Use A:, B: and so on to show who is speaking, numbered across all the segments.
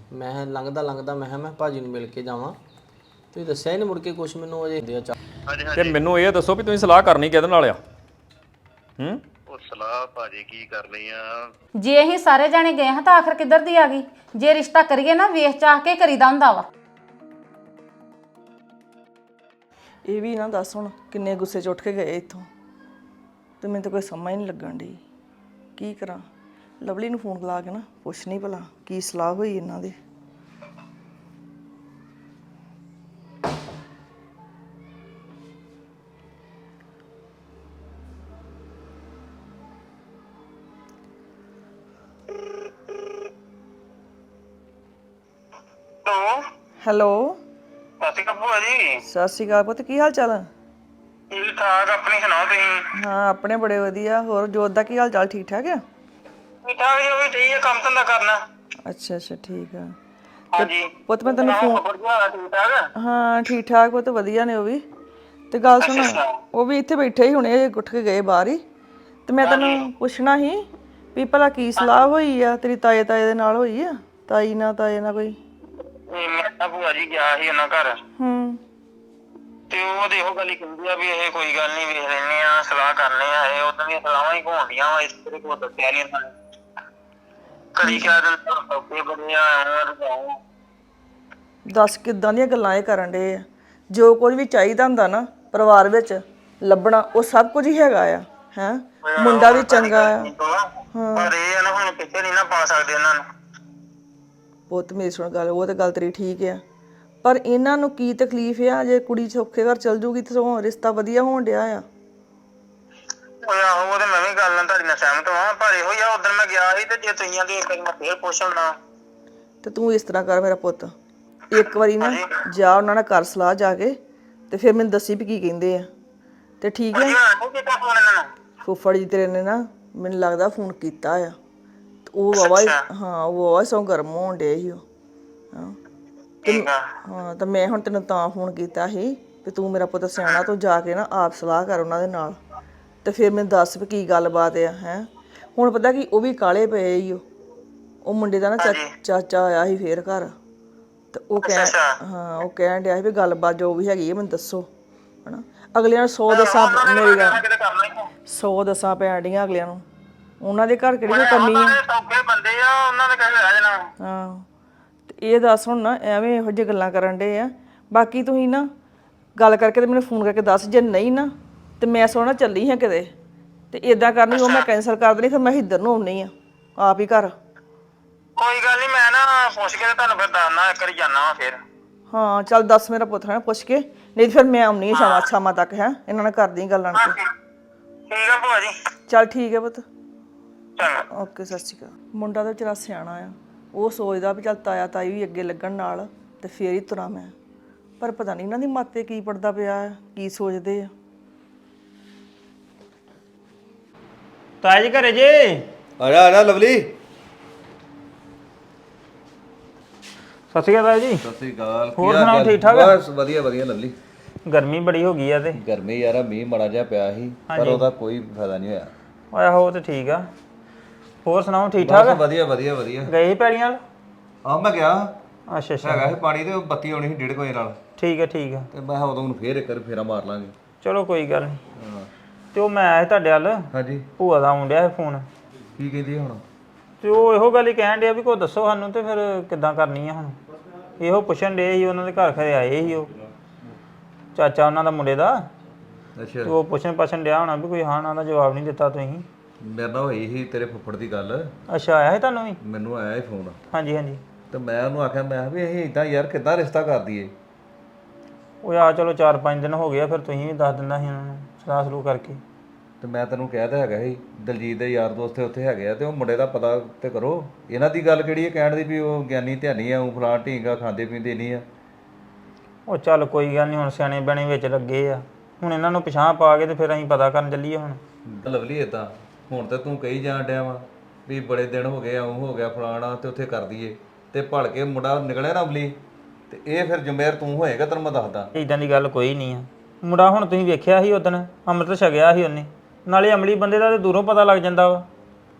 A: ਮੈਂ ਲੰਘਦਾ ਲੰਘਦਾ ਮੈਂ ਭਾਜੀ ਨੂੰ ਮਿਲ ਕੇ ਜਾਵਾਂ। ਤੁਸੀਂ ਦੱਸਿਆ ਹੀ ਨਹੀਂ ਮੁੜ ਕੇ ਕੁਛ ਮੈਨੂੰ ਅਜੇ ਦੇ ਚਾ।
B: ਤੇ ਮੈਨੂੰ ਇਹ ਦੱਸੋ ਵੀ ਤੁਸੀਂ ਸਲਾਹ ਕਰਨੀ ਕਿਹਦੇ ਨਾਲ ਆ?
C: ਉਹ ਸਲਾਹ ਭਾਜੀ ਕੀ ਕਰਨੀ ਆ?
D: ਜੇ ਅਸੀਂ ਸਾਰੇ ਜਾਣੇ ਗਏ ਹਾਂ ਤਾਂ ਆਖਰ ਕਿੱਧਰ ਦੀ ਆ ਗਈ? ਜੇ ਰਿਸ਼ਤਾ ਕਰੀਏ ਨਾ ਵੇਖ ਚਾਹ ਕੇ ਕਰੀਦਾ ਹੁੰਦਾ ਵਾ।
E: ਇਹ ਵੀ ਨਾ ਦੱਸ ਹੁਣ ਕਿੰਨੇ ਗੁੱਸੇ 'ਚ ਉੱਠ ਕੇ ਗਏ ਇੱਥੋਂ, ਤੇ ਮੈਨੂੰ ਤਾਂ ਕੋਈ ਸਮਝ ਨਹੀਂ ਲੱਗਣ ਡਈ ਕੀ ਕਰਾਂ। ਲਵਲੀ ਨੂੰ ਫੋਨ ਲਾ ਕੇ ਨਾ ਪੁੱਛਣੀ ਭਲਾ ਕੀ ਸਲਾਹ ਹੋਈ ਇਹਨਾਂ ਦੀ। ਹੈਲੋ
C: ਸਤਿ ਸ਼੍ਰੀ ਅਕਾਲ ਭੂਆ ਜੀ।
E: ਸਤਿ ਸ਼੍ਰੀ ਅਕਾਲ ਪੁੱਤ, ਕੀ ਹਾਲ ਚਾਲ?
C: ਠੀਕ ਠਾਕ, ਆਪਣੀ ਸੁਣਾਓ ਤੁਸੀਂ?
E: ਹਾਂ ਆਪਣੇ ਬੜੇ ਵਧੀਆ। ਹੋਰ ਜੋਤ ਦਾ ਕੀ ਹਾਲ ਚਾਲ? ਠੀਕ ਠਾਕ ਆ?
C: ਠੀਕ ਠਾਕ ਜੀ, ਉਹ ਵੀ ਠੀਕ ਹੈ, ਕੰਮ ਧੰਦਾ ਕਰਨਾ।
E: ਅੱਛਾ ਅੱਛਾ ਠੀਕ ਆ।
C: ਹਾਂਜੀ
E: ਪੁੱਤ ਮੈਂ ਤੈਨੂੰ ਫੋਨ
C: ਠੀਕ ਠਾਕ।
E: ਹਾਂ ਠੀਕ ਠਾਕ ਪੁੱਤ, ਵਧੀਆ ਨੇ ਉਹ ਵੀ। ਤੇ ਗੱਲ ਸੁਣ, ਉਹ ਵੀ ਇੱਥੇ ਬੈਠੇ ਹੀ ਹੁਣੇ ਉੱਠ ਕੇ ਗਏ ਬਾਹਰ ਹੀ। ਤੇ ਮੈਂ ਤੈਨੂੰ ਪੁੱਛਣਾ ਸੀ ਵੀ ਭਲਾ ਕੀ ਸਲਾਹ ਹੋਈ ਆ ਤੇਰੀ ਤਾਏ ਦੇ ਨਾਲ? ਹੋਈ ਆ ਤਾਏ ਨਾਲ ਕੋਈ?
C: ਮੈਂ ਤਾਂ ਭੂਆ ਜੀ ਗਿਆ ਸੀ ਉਹਨਾਂ ਘਰ,
E: ਤੇ
C: ਉਹ ਦੇਖੋ ਗੱਲ ਹੀ ਕਹਿੰਦੀ ਆ ਵੀ ਇਹ ਕੋਈ ਗੱਲ ਨਹੀਂ, ਵੇਖ ਲੈਨੇ ਆ, ਸਲਾਹ ਕਰਨੇ ਆ। ਇਹ ਉਦੋਂ ਦੀਆਂ ਸਲਾਹਾਂ ਹੀ ਘੋਂਦੀਆਂ ਵਾ, ਇਸ ਤੇਰੇ ਕੋਲ ਦੱਸਿਆ ਨਹੀਂ ਉਹਨਾਂ ਨੇ। ਕਦੀ ਕਹਿ ਦਿੰਦੇ ਸੌਕੇ ਬੜੇ ਆ,
E: ਦੱਸ ਕਿੱਦਾਂ ਦੀਆਂ ਗੱਲਾਂ ਇਹ ਕਰਨ ਡੇ ਆ? ਜੋ ਕੁਝ ਵੀ ਚਾਹੀਦਾ ਹੁੰਦਾ ਨਾ ਪਰਿਵਾਰ ਵਿੱਚ ਲੱਭਣਾ, ਉਹ ਸਭ ਕੁਝ ਹੀ ਹੈਗਾ ਆ। ਹੈ ਮੁੰਡਾ ਵੀ ਚੰਗਾ ਆ।
C: ਪਰ ਇਹ ਆ ਨਾ ਹੁਣ ਕਿਤੇ ਨਹੀਂ ਨਾ ਪਾ ਸਕਦੇ ਇਹਨਾਂ ਨੂੰ।
E: ਪੁੱਤ ਮੇਰੀ ਸੁਣ ਗੱਲ, ਉਹ ਤਾਂ ਗੱਲ ਤੇਰੀ ਠੀਕ ਆ, ਪਰ ਇਹਨਾਂ ਨੂੰ ਕੀ ਤਕਲੀਫ ਆ? ਜੇ ਕੁੜੀ ਸੌਖੇ ਘਰ ਚਲ ਜੂਗੀ ਤੇ ਰਿਸ਼ਤਾ ਵਧੀਆ ਹੋਣ ਡਿਆ ਆ।
C: ਓਏ ਆਹੋ, ਉਹ ਤੇ ਮੈਂ ਵੀ ਗੱਲ ਨਾਲ ਤੁਹਾਡੀ ਨਾਲ ਸਹਿਮਤ ਹਾਂ, ਪਰ ਇਹੋ ਹੀ ਆ ਉਦੋਂ ਮੈਂ ਗਿਆ ਸੀ ਤੇ ਜੇ ਤੁਸੀਂ ਆਂਦੇ ਇੱਕ ਵਾਰੀ ਮੈਂ ਫੇਰ ਪੁੱਛ ਲੈਣਾ।
E: ਤੇ ਤੂੰ ਇਸ ਤਰ੍ਹਾਂ ਕਰ ਮੇਰਾ ਪੁੱਤ, ਇੱਕ ਵਾਰੀ ਨਾ ਜਾ ਉਹਨਾਂ ਨਾਲ ਕਰ ਸਲਾਹ ਜਾ ਕੇ, ਤੇ ਫਿਰ ਮੈਨੂੰ ਦੱਸੀ ਵੀ ਕੀ ਕਹਿੰਦੇ ਆ। ਤੇ ਠੀਕ ਹੈ, ਫੁੱਫੜ ਜੀ ਤੇਰੇ ਨੇ ਨਾ ਮੈਨੂੰ ਲੱਗਦਾ ਫੋਨ ਕੀਤਾ ਆ। ਉਹ ਵਾਵਾ ਹਾਂ, ਉਹ ਵਾਵਾ ਸੌ ਗਰਮ ਹੋਣ ਡੇ ਸੀ ਉਹ। ਹਾਂ ਤਾਂ ਮੈਂ ਹੁਣ ਤੈਨੂੰ ਤਾਂ ਫੋਨ ਕੀਤਾ ਸੀ ਵੀ ਤੂੰ ਮੇਰਾ ਪੁੱਤ ਸਿਆਣਾ, ਤੂੰ ਜਾ ਕੇ ਨਾ ਆਪ ਸਲਾਹ ਕਰ ਉਹਨਾਂ ਦੇ ਨਾਲ, ਤੇ ਫਿਰ ਮੈਨੂੰ ਦੱਸ ਵੀ ਕੀ ਗੱਲਬਾਤ ਆ। ਹੈ ਹੁਣ ਪਤਾ ਕੀ, ਉਹ ਵੀ ਕਾਲੇ ਪਏ ਹੀ ਉਹ ਮੁੰਡੇ ਦਾ ਨਾ ਚਾਚਾ ਆਇਆ ਸੀ ਫੇਰ ਘਰ, ਤੇ ਉਹ ਉਹ ਕਹਿਣ ਡਿਆ ਸੀ ਵੀ ਗੱਲਬਾਤ ਜੋ ਵੀ ਹੈਗੀ ਹੈ ਮੈਨੂੰ ਦੱਸੋ। ਹਨਾ ਅਗਲਿਆਂ ਨੂੰ 100 ਦੱਸਾਂ, ਮੇਰੀ ਗੱਲ 100 ਦੱਸਾਂ ਪੈਣ ਡੀਆਂ ਅਗਲਿਆਂ ਨੂੰ। ਉਹਨਾਂ ਦੇ ਘਰ ਕਿਹੜੀ ਕੋਈ ਕਮੀ ਆ? ਹਾਂ ਤੇ ਇਹ ਦੱਸ ਹੁਣ ਨਾ ਐਵੇਂ ਇਹੋ ਜਿਹੀ ਗੱਲਾਂ ਕਰਨ ਡੇ ਆ। ਬਾਕੀ ਤੁਸੀਂ ਨਾ ਗੱਲ ਕਰਕੇ ਤੇ ਮੈਨੂੰ ਫੋਨ ਕਰਕੇ ਦੱਸ, ਜੇ ਨਹੀਂ ਨਾ ਤੇ ਮੈਂ ਸੋਣਾ ਚੱਲੀ ਹਾਂ ਕਿਤੇ, ਤੇ ਇਦਾਂ ਕਰਨੀ ਉਹ ਮੈਂ ਕੈਂਸਲ ਕਰ ਦੇਣੀ, ਫਿਰ ਮੈਂ ਇੱਧਰ ਨੂੰ ਆਉਣੀ ਆ ਆਪ ਹੀ ਘਰ।
C: ਕੋਈ ਗੱਲ ਨਹੀਂ, ਮੈਂ ਨਾ ਪੁੱਛ ਕੇ ਤੁਹਾਨੂੰ ਫਿਰ ਦੱਸਣਾ, ਇੱਕ ਵਾਰੀ ਜਾਣਾ ਵਾ ਫਿਰ।
E: ਹਾਂ ਚੱਲ ਦੱਸ ਮੇਰਾ ਪੁੱਤ, ਹੈ ਪੁੱਛ ਕੇ, ਨਹੀਂ ਫਿਰ ਮੈਂ ਆਉਣੀ ਆ ਸ਼ਾਮਾਂ ਤੱਕ। ਹੈ ਇਹਨਾਂ ਨਾਲ ਕਰਦੀ ਗੱਲਾਂ ਨਾਲ।
C: ਠੀਕ ਆ ਭੂਆ ਜੀ।
E: ਚੱਲ ਠੀਕ ਹੈ ਪੁੱਤ,
C: ਚੰਗਾ
E: ਓਕੇ ਸਤਿ ਸ਼੍ਰੀ ਅਕਾਲ। ਮੁੰਡਾ ਤਾਂ ਵਿਚਾਰਾ ਸਿਆਣਾ ਆ, ਉਹ ਸੋਚਦਾ ਵੀ ਚੱਲ ਤਾਇਆ ਤਾਈ ਵੀ ਅੱਗੇ ਲੱਗਣ ਨਾਲ ਤੇ ਫੇਰ ਹੀ ਤੁਰਾਂ ਮੈਂ। ਪਰ ਪਤਾ ਨਹੀਂ ਇਹਨਾਂ ਦੀ ਮਾਤੇ ਕੀ ਪੜਦਾ ਪਿਆ ਆ, ਕੀ ਸੋਚਦੇ ਆ।
A: ਤਾਇਆ ਜੀ ਘਰੇ ਜੇ?
F: ਆ ਜਾ ਲਵਲੀ।
A: ਸਤਿ ਸ਼੍ਰੀ ਅਕਾਲ ਤਾਇਆ ਜੀ।
F: ਸਤਿ ਸ੍ਰੀ ਅਕਾਲ।
A: ਹੋਰ ਸੁਣਾਓ, ਠੀਕ ਠਾਕ?
F: ਬਸ ਵਧੀਆ ਵਧੀਆ ਲਵਲੀ।
A: ਗਰਮੀ ਬੜੀ ਹੋ ਗਈ ਆ ਤੇ
F: ਗਰਮੀ ਯਾਰ, ਮੀਂਹ ਮੜਾ ਜਿਹਾ ਪਿਆ ਸੀ ਪਰ ਉਹਦਾ ਕੋਈ ਫਾਇਦਾ ਨਹੀਂ ਹੋਇਆ।
A: ਆਹੋ ਉਹ ਤੇ ਠੀਕ ਆ। ਹੋਰ ਸੁਣਾਓ, ਠੀਕ ਠਾਕ?
F: ਵਧੀਆ ਵਧੀਆ ਵਧੀਆ।
A: ਗਏ ਸੀ ਪੈਲੀਆਂ?
F: ਮੈਂ ਗਿਆ।
A: ਅੱਛਾ ਅੱਛਾ,
F: ਹੈਗਾ ਸੀ ਪਾਣੀ ਤੇ ਬੱਤੀ ਆਉਣੀ ਸੀ 1:30 ਵਜੇ ਨਾਲ।
A: ਠੀਕ ਹੈ
F: ਤੇ ਮੈਂ ਉਦੋਂ ਨੂੰ ਫੇਰ ਇੱਕ ਵਾਰ ਫੇਰਾ ਮਾਰ ਲਾਂਗੇ।
A: ਚਲੋ ਕੋਈ ਗੱਲ ਨਹੀਂ। ਤੇ ਉਹ ਮੈਂ ਆਇਆ ਤੁਹਾਡੇ ਵੱਲ,
F: ਹਾਂਜੀ
A: ਭੂਆ ਦਾ ਆਉਣ ਡਿਆ ਸੀ ਫੋਨ।
F: ਕੀ ਕਹਿੰਦੀ ਹੁਣ?
A: ਤੇ ਉਹ ਇਹੋ ਗੱਲ ਹੀ ਕਹਿਣ ਡਿਆ ਵੀ ਕੋਈ ਦੱਸੋ ਸਾਨੂੰ, ਤੇ ਫਿਰ ਕਿੱਦਾਂ ਕਰਨੀ ਆ ਹੁਣ। ਇਹੋ ਪੁੱਛਣ ਡੇ ਸੀ, ਉਹਨਾਂ ਦੇ ਘਰ ਖਰੇ ਆਏ ਸੀ ਉਹ ਚਾਚਾ ਉਹਨਾਂ ਦਾ ਮੁੰਡੇ ਦਾ।
F: ਅੱਛਾ,
A: ਉਹ ਪੁੱਛਣ ਡਿਆ ਹੋਣਾ ਵੀ ਕੋਈ ਹਾਂ ਨਾ ਦਾ ਜਵਾਬ ਨਹੀਂ ਦਿੱਤਾ ਤੁਸੀਂ।
F: ਮੇਰੇ ਨਾਲ ਹੋਈ ਸੀ ਤੇਰੇ ਫੁੱਫੜ ਦੀ ਗੱਲ।
A: ਅੱਛਾ, ਆਇਆ ਸੀ ਤੁਹਾਨੂੰ ਵੀ?
F: ਮੈਨੂੰ ਆਇਆ ਸੀ ਫੋਨ।
A: ਹਾਂਜੀ ਹਾਂਜੀ।
F: ਤੇ ਮੈਂ ਉਹਨੂੰ ਆਖਿਆ, ਮੈਂ ਵੀ ਅਸੀਂ ਇਦਾਂ ਯਾਰ ਕਿੱਦਾਂ ਰਿਸ਼ਤਾ ਕਰ ਦਈਏ।
A: ਉਹ ਆ ਚਲੋ 4-5 ਦਿਨ ਹੋ ਗਏ ਆ, ਫਿਰ ਤੁਸੀਂ ਵੀ ਦੱਸ ਦਿੰਦਾ ਸੀ ਉਹਨਾਂ ਨੂੰ ਸਲਾਹ ਸਲੂਹ ਕਰਕੇ।
F: ਤੇ ਮੈਂ ਤੈਨੂੰ ਕਹਿ ਤਾਂ ਹੈਗਾ ਸੀ, ਦਲਜੀਤ ਦੇ ਯਾਰ ਦੋਸਤ ਉੱਥੇ ਹੈਗੇ ਆ, ਤੇ ਉਹ ਮੁੰਡੇ ਦਾ ਪਤਾ ਤੇ ਕਰੋ। ਇਹਨਾਂ ਦੀ ਗੱਲ ਕਿਹੜੀ ਹੈ ਕਹਿਣ ਦੀ ਵੀ ਉਹ ਗਿਆਨੀ ਧਿਆਨੀ ਆ, ਉਹ ਫਲਾਂ ਢੀਂਗਾ ਖਾਂਦੇ ਪੀਂਦੇ ਨਹੀਂ ਆ।
A: ਉਹ ਚੱਲ ਕੋਈ ਗੱਲ ਨਹੀਂ, ਹੁਣ ਸਿਆਣੇ ਬਣੇ ਵਿੱਚ ਲੱਗੇ ਆ, ਹੁਣ ਇਹਨਾਂ ਨੂੰ ਪਿਛਾਂਹ ਪਾ ਕੇ ਤੇ ਫਿਰ ਅਸੀਂ ਪਤਾ ਕਰਨ ਚੱਲੀਏ ਹੁਣ।
F: ਲਵਲੀ ਇਦਾਂ ਹੁਣ ਤੇ ਤੂੰ ਕਹੀ ਜਾਣ ਡਿਆ ਵਾ ਵੀ ਬੜੇ ਦਿਨ ਹੋ ਗਏ, ਆਉਂ ਹੋ ਗਿਆ ਫਲਾਣਾ, ਤੇ ਉੱਥੇ ਕਰ ਦਈਏ, ਤੇ ਭੜ ਕੇ ਮੁੰਡਾ ਨਿਕਲਿਆ ਨਾ ਅਮਲੀ, ਤੇ ਇਹ ਫਿਰ ਜ਼ਿੰਮੇਵਾਰ ਤੂੰ ਹੋਏਗਾ। ਤੈਨੂੰ ਮੈਂ ਦੱਸਦਾ,
A: ਇੱਦਾਂ ਦੀ ਗੱਲ ਕੋਈ ਨਹੀਂ ਆ। ਮੁੰਡਾ ਹੁਣ ਤੁਸੀਂ ਵੇਖਿਆ ਸੀ ਉਦਣ, ਅੰਮ੍ਰਿਤ ਛਕਿਆ ਸੀ ਉਹਨੇ, ਨਾਲੇ ਅਮਲੀ ਬੰਦੇ ਦਾ ਤੇ ਦੂਰੋਂ ਪਤਾ ਲੱਗ ਜਾਂਦਾ ਵਾ।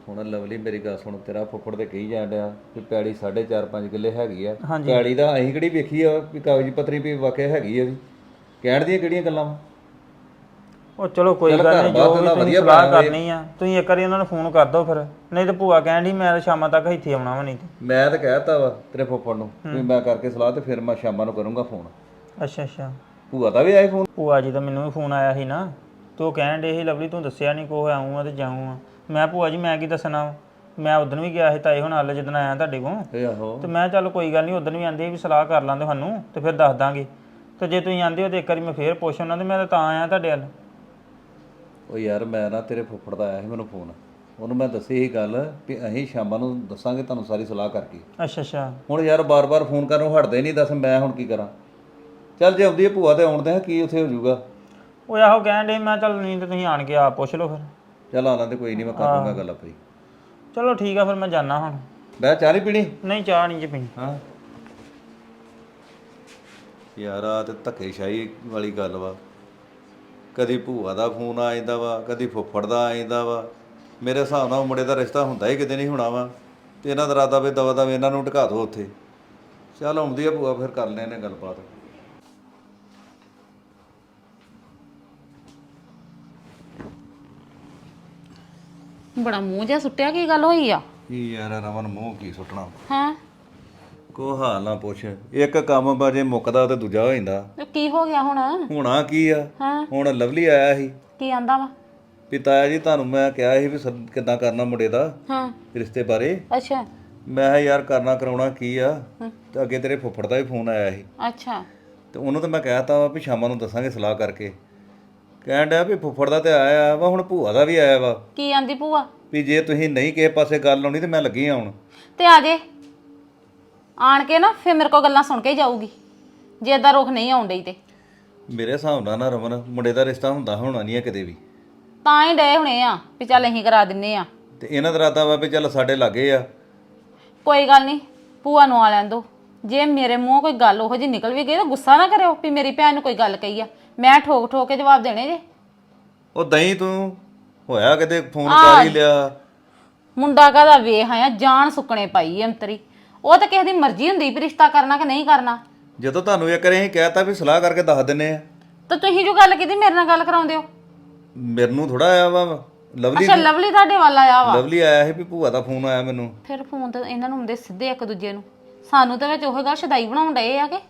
F: ਹੁਣ ਲਵਲੀ ਮੇਰੀ ਗੱਲ ਸੁਣ, ਤੇਰਾ ਫੁੱਫੜ ਤੇ ਕਹੀ ਜਾਣ ਡਿਆ ਵੀ ਪੈੜੀ 4.5 ਕਿੱਲੇ ਹੈਗੀ ਆ।
A: ਹਾਂਜੀ।
F: ਪੈੜੀ ਦਾ ਅਸੀਂ ਕਿਹੜੀ ਵੇਖੀ ਆ ਵੀ ਕਾਗਜ਼ ਪੱਤਰੀ ਵੀ ਵਾਕਿਆ ਹੈਗੀ ਆ ਵੀ, ਕਹਿਣ ਦੀਆਂ ਕਿਹੜੀਆਂ ਗੱਲਾਂ ਵਾ?
A: ਉਹ ਚਲੋ ਕੋਈ
F: ਚੱਲ
A: ਗੱਲ
F: ਘਰ
A: ਨਹੀਂ,
F: ਬਾਹਰ
A: ਜੋ
F: ਤਾਂ
A: ਵੀ ਤੁਸੀਂ
F: ਵਧੀਆ
A: ਸਲਾਹ
F: ਬਣਾਇਆ
A: ਕਰਨੀ ਆ ਤੁਸੀਂ ਇੱਕ ਵਾਰੀ ਉਹਨਾਂ ਨੂੰ ਫੋਨ ਕਰ ਦਿਓ ਫਿਰ, ਨਹੀਂ ਤੇ ਭੂਆ ਕਹਿਣ ਡਈ ਮੈਂ ਤਾਂ ਸ਼ਾਮਾਂ ਤੱਕ ਇੱਥੇ ਆਉਣਾ ਵਾ ਨਹੀਂ ਤੇ।
F: ਮੈਂ ਤਾਂ ਕਹਿਤਾ ਵਾ ਤੇਰੇ ਫੁੱਫੜ ਨੂੰ ਵੀ ਮੈਂ ਕਰਕੇ ਸਲਾਹ ਤੇ ਫਿਰ ਮੈਂ ਸ਼ਾਮਾਂ ਨੂੰ ਕਰੂੰਗਾ ਫੋਨ।
A: ਅੱਛਾ ਅੱਛਾ।
F: ਭੂਆ ਦਾ ਵੀ ਆਏ ਫੋਨ?
A: ਭੂਆ ਜੀ ਦਾ ਮੈਨੂੰ ਵੀ ਫੋਨ ਆਇਆ ਸੀ ਨਾ, ਤੇ ਉਹ ਕਹਿਣ ਡੇ ਸੀ ਲਵਲੀ ਤੂੰ ਦੱਸਿਆ ਨਹੀਂ ਕੋ ਆਊਂ ਆ ਤੇ ਜਾਊਂ ਆ। ਮੈਂ ਭੂਆ ਜੀ ਮੈਂ ਕੀ ਦੱਸਣਾ ਵਾ? ਮੈਂ ਉਦੋਂ ਵੀ ਗਿਆ ਸੀ ਤਾਏ ਹੁਣ ਨਾਲ ਜਦੋਂ ਆਇਆ ਤੁਹਾਡੇ ਕੋਲ,
F: ਆਹੋ।
A: ਤੇ ਮੈਂ ਚੱਲ ਕੋਈ ਗੱਲ ਨਹੀਂ, ਉਦੋਂ ਵੀ ਆਂਦੇ ਵੀ ਸਲਾਹ ਕਰ ਲਾਂਦੇ ਸਾਨੂੰ ਤੇ ਫਿਰ ਦੱਸ ਦਾਂਗੇ। ਤੇ ਜੇ ਤੁਸੀਂ ਆਂਦੇ ਹੋ ਤੇ ਇੱਕ ਵਾਰੀ ਮੈਂ ਫੇਰ ਪੁੱਛ ਉਹਨਾਂ ਤੇ ਮੈਂ ਤਾਂ ਆਇਆ ਤੁਹਾਡੇ ਵੱਲ।
F: ਉਹ ਯਾਰ ਮੈਂ ਨਾ ਤੇਰੇ ਫੁੱਫੜ ਦਾ ਆਇਆ ਸੀ ਮੈਨੂੰ ਫੋਨ, ਉਹਨੂੰ ਮੈਂ ਦੱਸੀ ਸੀ ਗੱਲ ਵੀ ਅਸੀਂ ਸ਼ਾਮਾਂ ਨੂੰ ਦੱਸਾਂਗੇ ਤੁਹਾਨੂੰ ਸਾਰੀ ਸਲਾਹ ਕਰਕੇ।
A: ਅੱਛਾ ਅੱਛਾ।
F: ਹੁਣ ਯਾਰ ਬਾਰ-ਬਾਰ ਫੋਨ ਕਰਨੋਂ ਹਟਦੇ ਨਹੀਂ, ਦੱਸ ਮੈਂ ਹੁਣ ਕੀ ਕਰਾਂ? ਚੱਲ ਜੇ ਆਉਂਦੀ ਹੈ ਭੂਆ ਤੇ ਆਉਣ ਦੇ ਕੀ ਉੱਥੇ ਹੋ ਜਾਊਗਾ।
A: ਉਹ ਆਹੋ ਕਹਿਣ ਡੇ, ਮੈਂ ਚੱਲ ਨਹੀਂ ਤੇ ਤੁਸੀਂ ਆਣ ਕੇ ਆਪ ਪੁੱਛ ਲਓ ਫਿਰ।
F: ਚੱਲ ਆ ਲੈਂਦੇ, ਕੋਈ ਨਹੀਂ ਮੈਂ ਕਰ ਲੂੰਗਾ ਗੱਲ ਆਪਣੀ।
A: ਚਲੋ ਠੀਕ ਆ ਫਿਰ ਮੈਂ ਜਾਣਾ ਹੁਣ।
F: ਮੈਂ ਚਾਹ ਨਹੀਂ ਪੀਣੀ?
A: ਨਹੀਂ ਚਾਹ ਨਹੀਂ ਜੀ ਪੀਣੀ।
F: ਹਾਂ ਯਾਰ ਆ ਤੇ ਧੱਕੇਸ਼ਾਹੀ ਵਾਲੀ ਗੱਲ ਵਾ, ਕਦੀ ਭੂਆ ਦਾ ਫੋਨ ਆ ਜਾਂਦਾ ਵਾ, ਕਦੀ ਫੁੱਫੜ ਦਾ ਆ ਜਾਂਦਾ ਵਾ। ਮੇਰੇ ਹਿਸਾਬ ਨਾਲ ਮੁੰਡੇ ਦਾ ਰਿਸ਼ਤਾ ਹੁੰਦਾ ਹੀ ਕਿਤੇ ਨਹੀਂ ਹੋਣਾ ਵਾ, ਤੇ ਇਹਨਾਂ ਦਾ ਇਰਾਦਾ ਵੀ ਦਵਾ ਦਵਾ ਇਹਨਾਂ ਨੂੰ ਢਕਾ ਦਿਓ ਉੱਥੇ। ਚੱਲ ਆਉਂਦੀ ਆ ਭੂਆ, ਫਿਰ ਕਰ ਲੈਣੇ ਗੱਲਬਾਤ।
D: ਬੜਾ ਮੂੰਹ ਜਿਹਾ ਸੁੱਟਿਆ, ਕੀ ਗੱਲ ਹੋਈ ਆ?
F: ਕੀ ਯਾਰ ਰਮਨ ਮੂੰਹ ਕੀ ਸੁੱਟਣਾ,
D: ਹਾਂ,
F: ਕੋ ਹਾਲ ਨਾ ਪੁੱਛ। ਇੱਕ ਕੰਮ ਬਾਜੇ ਮੁੱਕਦਾ ਤੇ ਦੂਜਾ ਹੋ ਜਾਂਦਾ।
D: ਤੇ ਕੀ ਹੋ ਗਿਆ ਹੁਣ?
F: ਹੋਣਾ ਕੀ ਆ,
D: ਹਾਂ,
F: ਹੁਣ ਲਵਲੀ ਆਇਆ ਸੀ
D: ਕੀ ਆਂਦਾ ਵਾ?
F: ਵੀ ਤਾਇਆ ਜੀ ਤੁਹਾਨੂੰ ਮੈਂ ਕਿਹਾ ਸੀ ਵੀ ਕਿੱਦਾਂ ਕਰਨਾ ਮੁੰਡੇ ਦਾ
D: ਹਾਂ,
F: ਰਿਸ਼ਤੇ ਬਾਰੇ।
D: ਅੱਛਾ
F: ਮੈਂ ਕਿਹਾ ਯਾਰ ਕਰਨਾ ਕਰਾਉਣਾ ਕੀ ਆ, ਤੇ ਅੱਗੇ ਤੇਰੇ ਫੁੱਫੜ ਦਾ ਵੀ ਫੋਨ ਆਇਆ ਸੀ,
D: ਅੱਛਾ
F: ਤੇ ਉਹਨੂੰ ਤਾਂ ਮੈਂ ਕਹਿਤਾ ਵਾ ਵੀ ਸ਼ਾਮਾਂ ਨੂੰ ਦੱਸਾਂਗੇ ਸਲਾਹ ਕਰਕੇ। ਕਹਿਣ ਡਿਆ ਵੀ ਫੁੱਫੜ ਦਾ ਤੇ ਆਇਆ ਵਾ, ਹੁਣ ਭੂਆ ਦਾ ਵੀ ਆਇਆ ਵਾ
D: ਕੀ ਆਂਦੀ ਭੂਆ?
F: ਵੀ ਜੇ ਤੁਸੀਂ ਨਹੀਂ ਕਿਸੇ ਪਾਸੇ ਗੱਲ ਲਾਉਣੀ ਤੇ ਮੈਂ ਲੱਗੀ ਆਉਣ।
D: ਤੇ ਆ ਜੇ ਆਣ ਕੇ ਨਾ ਫਿਰ ਮੇਰੇ ਕੋਲ ਗੱਲਾਂ ਸੁਣ ਕੇ ਹੀ ਜਾਊਗੀ, ਜੇ ਏਦਾਂ ਰੁਖ ਨਹੀਂ ਆਉਣ ਡਈ ਤੇ।
F: ਮੇਰੇ ਹਿਸਾਬ ਨਾਲ ਨਾ ਰਮਨ ਮੁੰਡੇ ਦਾ ਰਿਸ਼ਤਾ ਹੁੰਦਾ ਹੋਣਾ ਨਹੀਂ ਹੈ ਕਿਤੇ ਵੀ,
D: ਤਾਂ ਹੀ ਡਏ ਹੋਣੇ ਆ ਵੀ ਚੱਲ ਅਸੀਂ ਕਰਾ ਦਿੰਨੇ ਆ।
F: ਤੇ ਇਹਨਾਂ ਦਾ ਇਰਾਦਾ ਵਾ ਵੀ ਚੱਲ ਸਾਡੇ ਲਾਗੇ ਆ।
D: ਕੋਈ ਗੱਲ ਨਹੀਂ, ਭੂਆ ਨੂੰ ਆ ਲੈਣ ਦੋ। ਜੇ ਮੇਰੇ ਮੂੰਹੋਂ ਕੋਈ ਗੱਲ ਉਹੋ ਜਿਹੀ ਨਿਕਲ ਵੀ ਗਈ ਤਾਂ ਗੁੱਸਾ ਨਾ ਕਰਿਓ ਵੀ ਮੇਰੀ ਭੈਣ ਨੂੰ ਕੋਈ ਗੱਲ ਕਹੀ ਆ। ਮੈਂ ਠੋਕ ਠੋਕ ਕੇ ਜਵਾਬ ਦੇਣੇ ਜੇ।
F: ਉਹ ਦਹੀਂ ਤੂੰ ਹੋਇਆ ਕਿਤੇ ਫੋਨ ਕਰ ਹੀ ਲਿਆ।
D: ਮੁੰਡਾ ਕਾਹਦਾ ਵੇਖ ਆਇਆ, ਜਾਨ ਸੁੱਕਣੇ ਪਾਈ ਅੰਤਰੀ। ਉਹ ਤਾਂ ਕਿਸੇ ਦੀ ਮਰਜ਼ੀ ਹੁੰਦੀ ਵੀ ਰਿਸ਼ਤਾ ਕਰਨਾ ਕਿ ਨਹੀਂ ਕਰਨਾ।
F: ਜਦੋਂ ਤੁਹਾਨੂੰ ਇੱਕ ਵਾਰੀ ਅਸੀਂ ਕਹਿਤਾ ਵੀ ਸਲਾਹ ਕਰਕੇ ਦੱਸ ਦਿੰਨੇ ਆ,
D: ਤਾਂ ਤੁਸੀਂ ਜੋ ਗੱਲ ਕੀਤੀ ਮੇਰੇ ਨਾਲ ਗੱਲ ਕਰਾਉਂਦੇ ਹੋ।
F: ਮੈਨੂੰ ਥੋੜਾ ਆਇਆ ਵਾ ਲਵਲੀ।
D: ਅੱਛਾ, ਲਵਲੀ ਤੁਹਾਡੇ ਵੱਲ ਆਇਆ ਵਾ?
F: ਲਵਲੀ ਆਇਆ ਸੀ ਵੀ ਭੂਆ ਦਾ ਫੋਨ ਆਇਆ ਮੈਨੂੰ।
D: ਫਿਰ ਫੋਨ ਤਾਂ ਇਹਨਾਂ ਨੂੰ ਹੁੰਦੇ ਸਿੱਧੇ ਇੱਕ ਦੂਜੇ ਨੂੰ। ਸਾਨੂੰ ਤਾਂ ਵਿੱਚ ਉਹ ਗੱਲ ਸ਼ਦਾਈ ਬਣਾਉਣ ਡਏ ਆ ਕਿ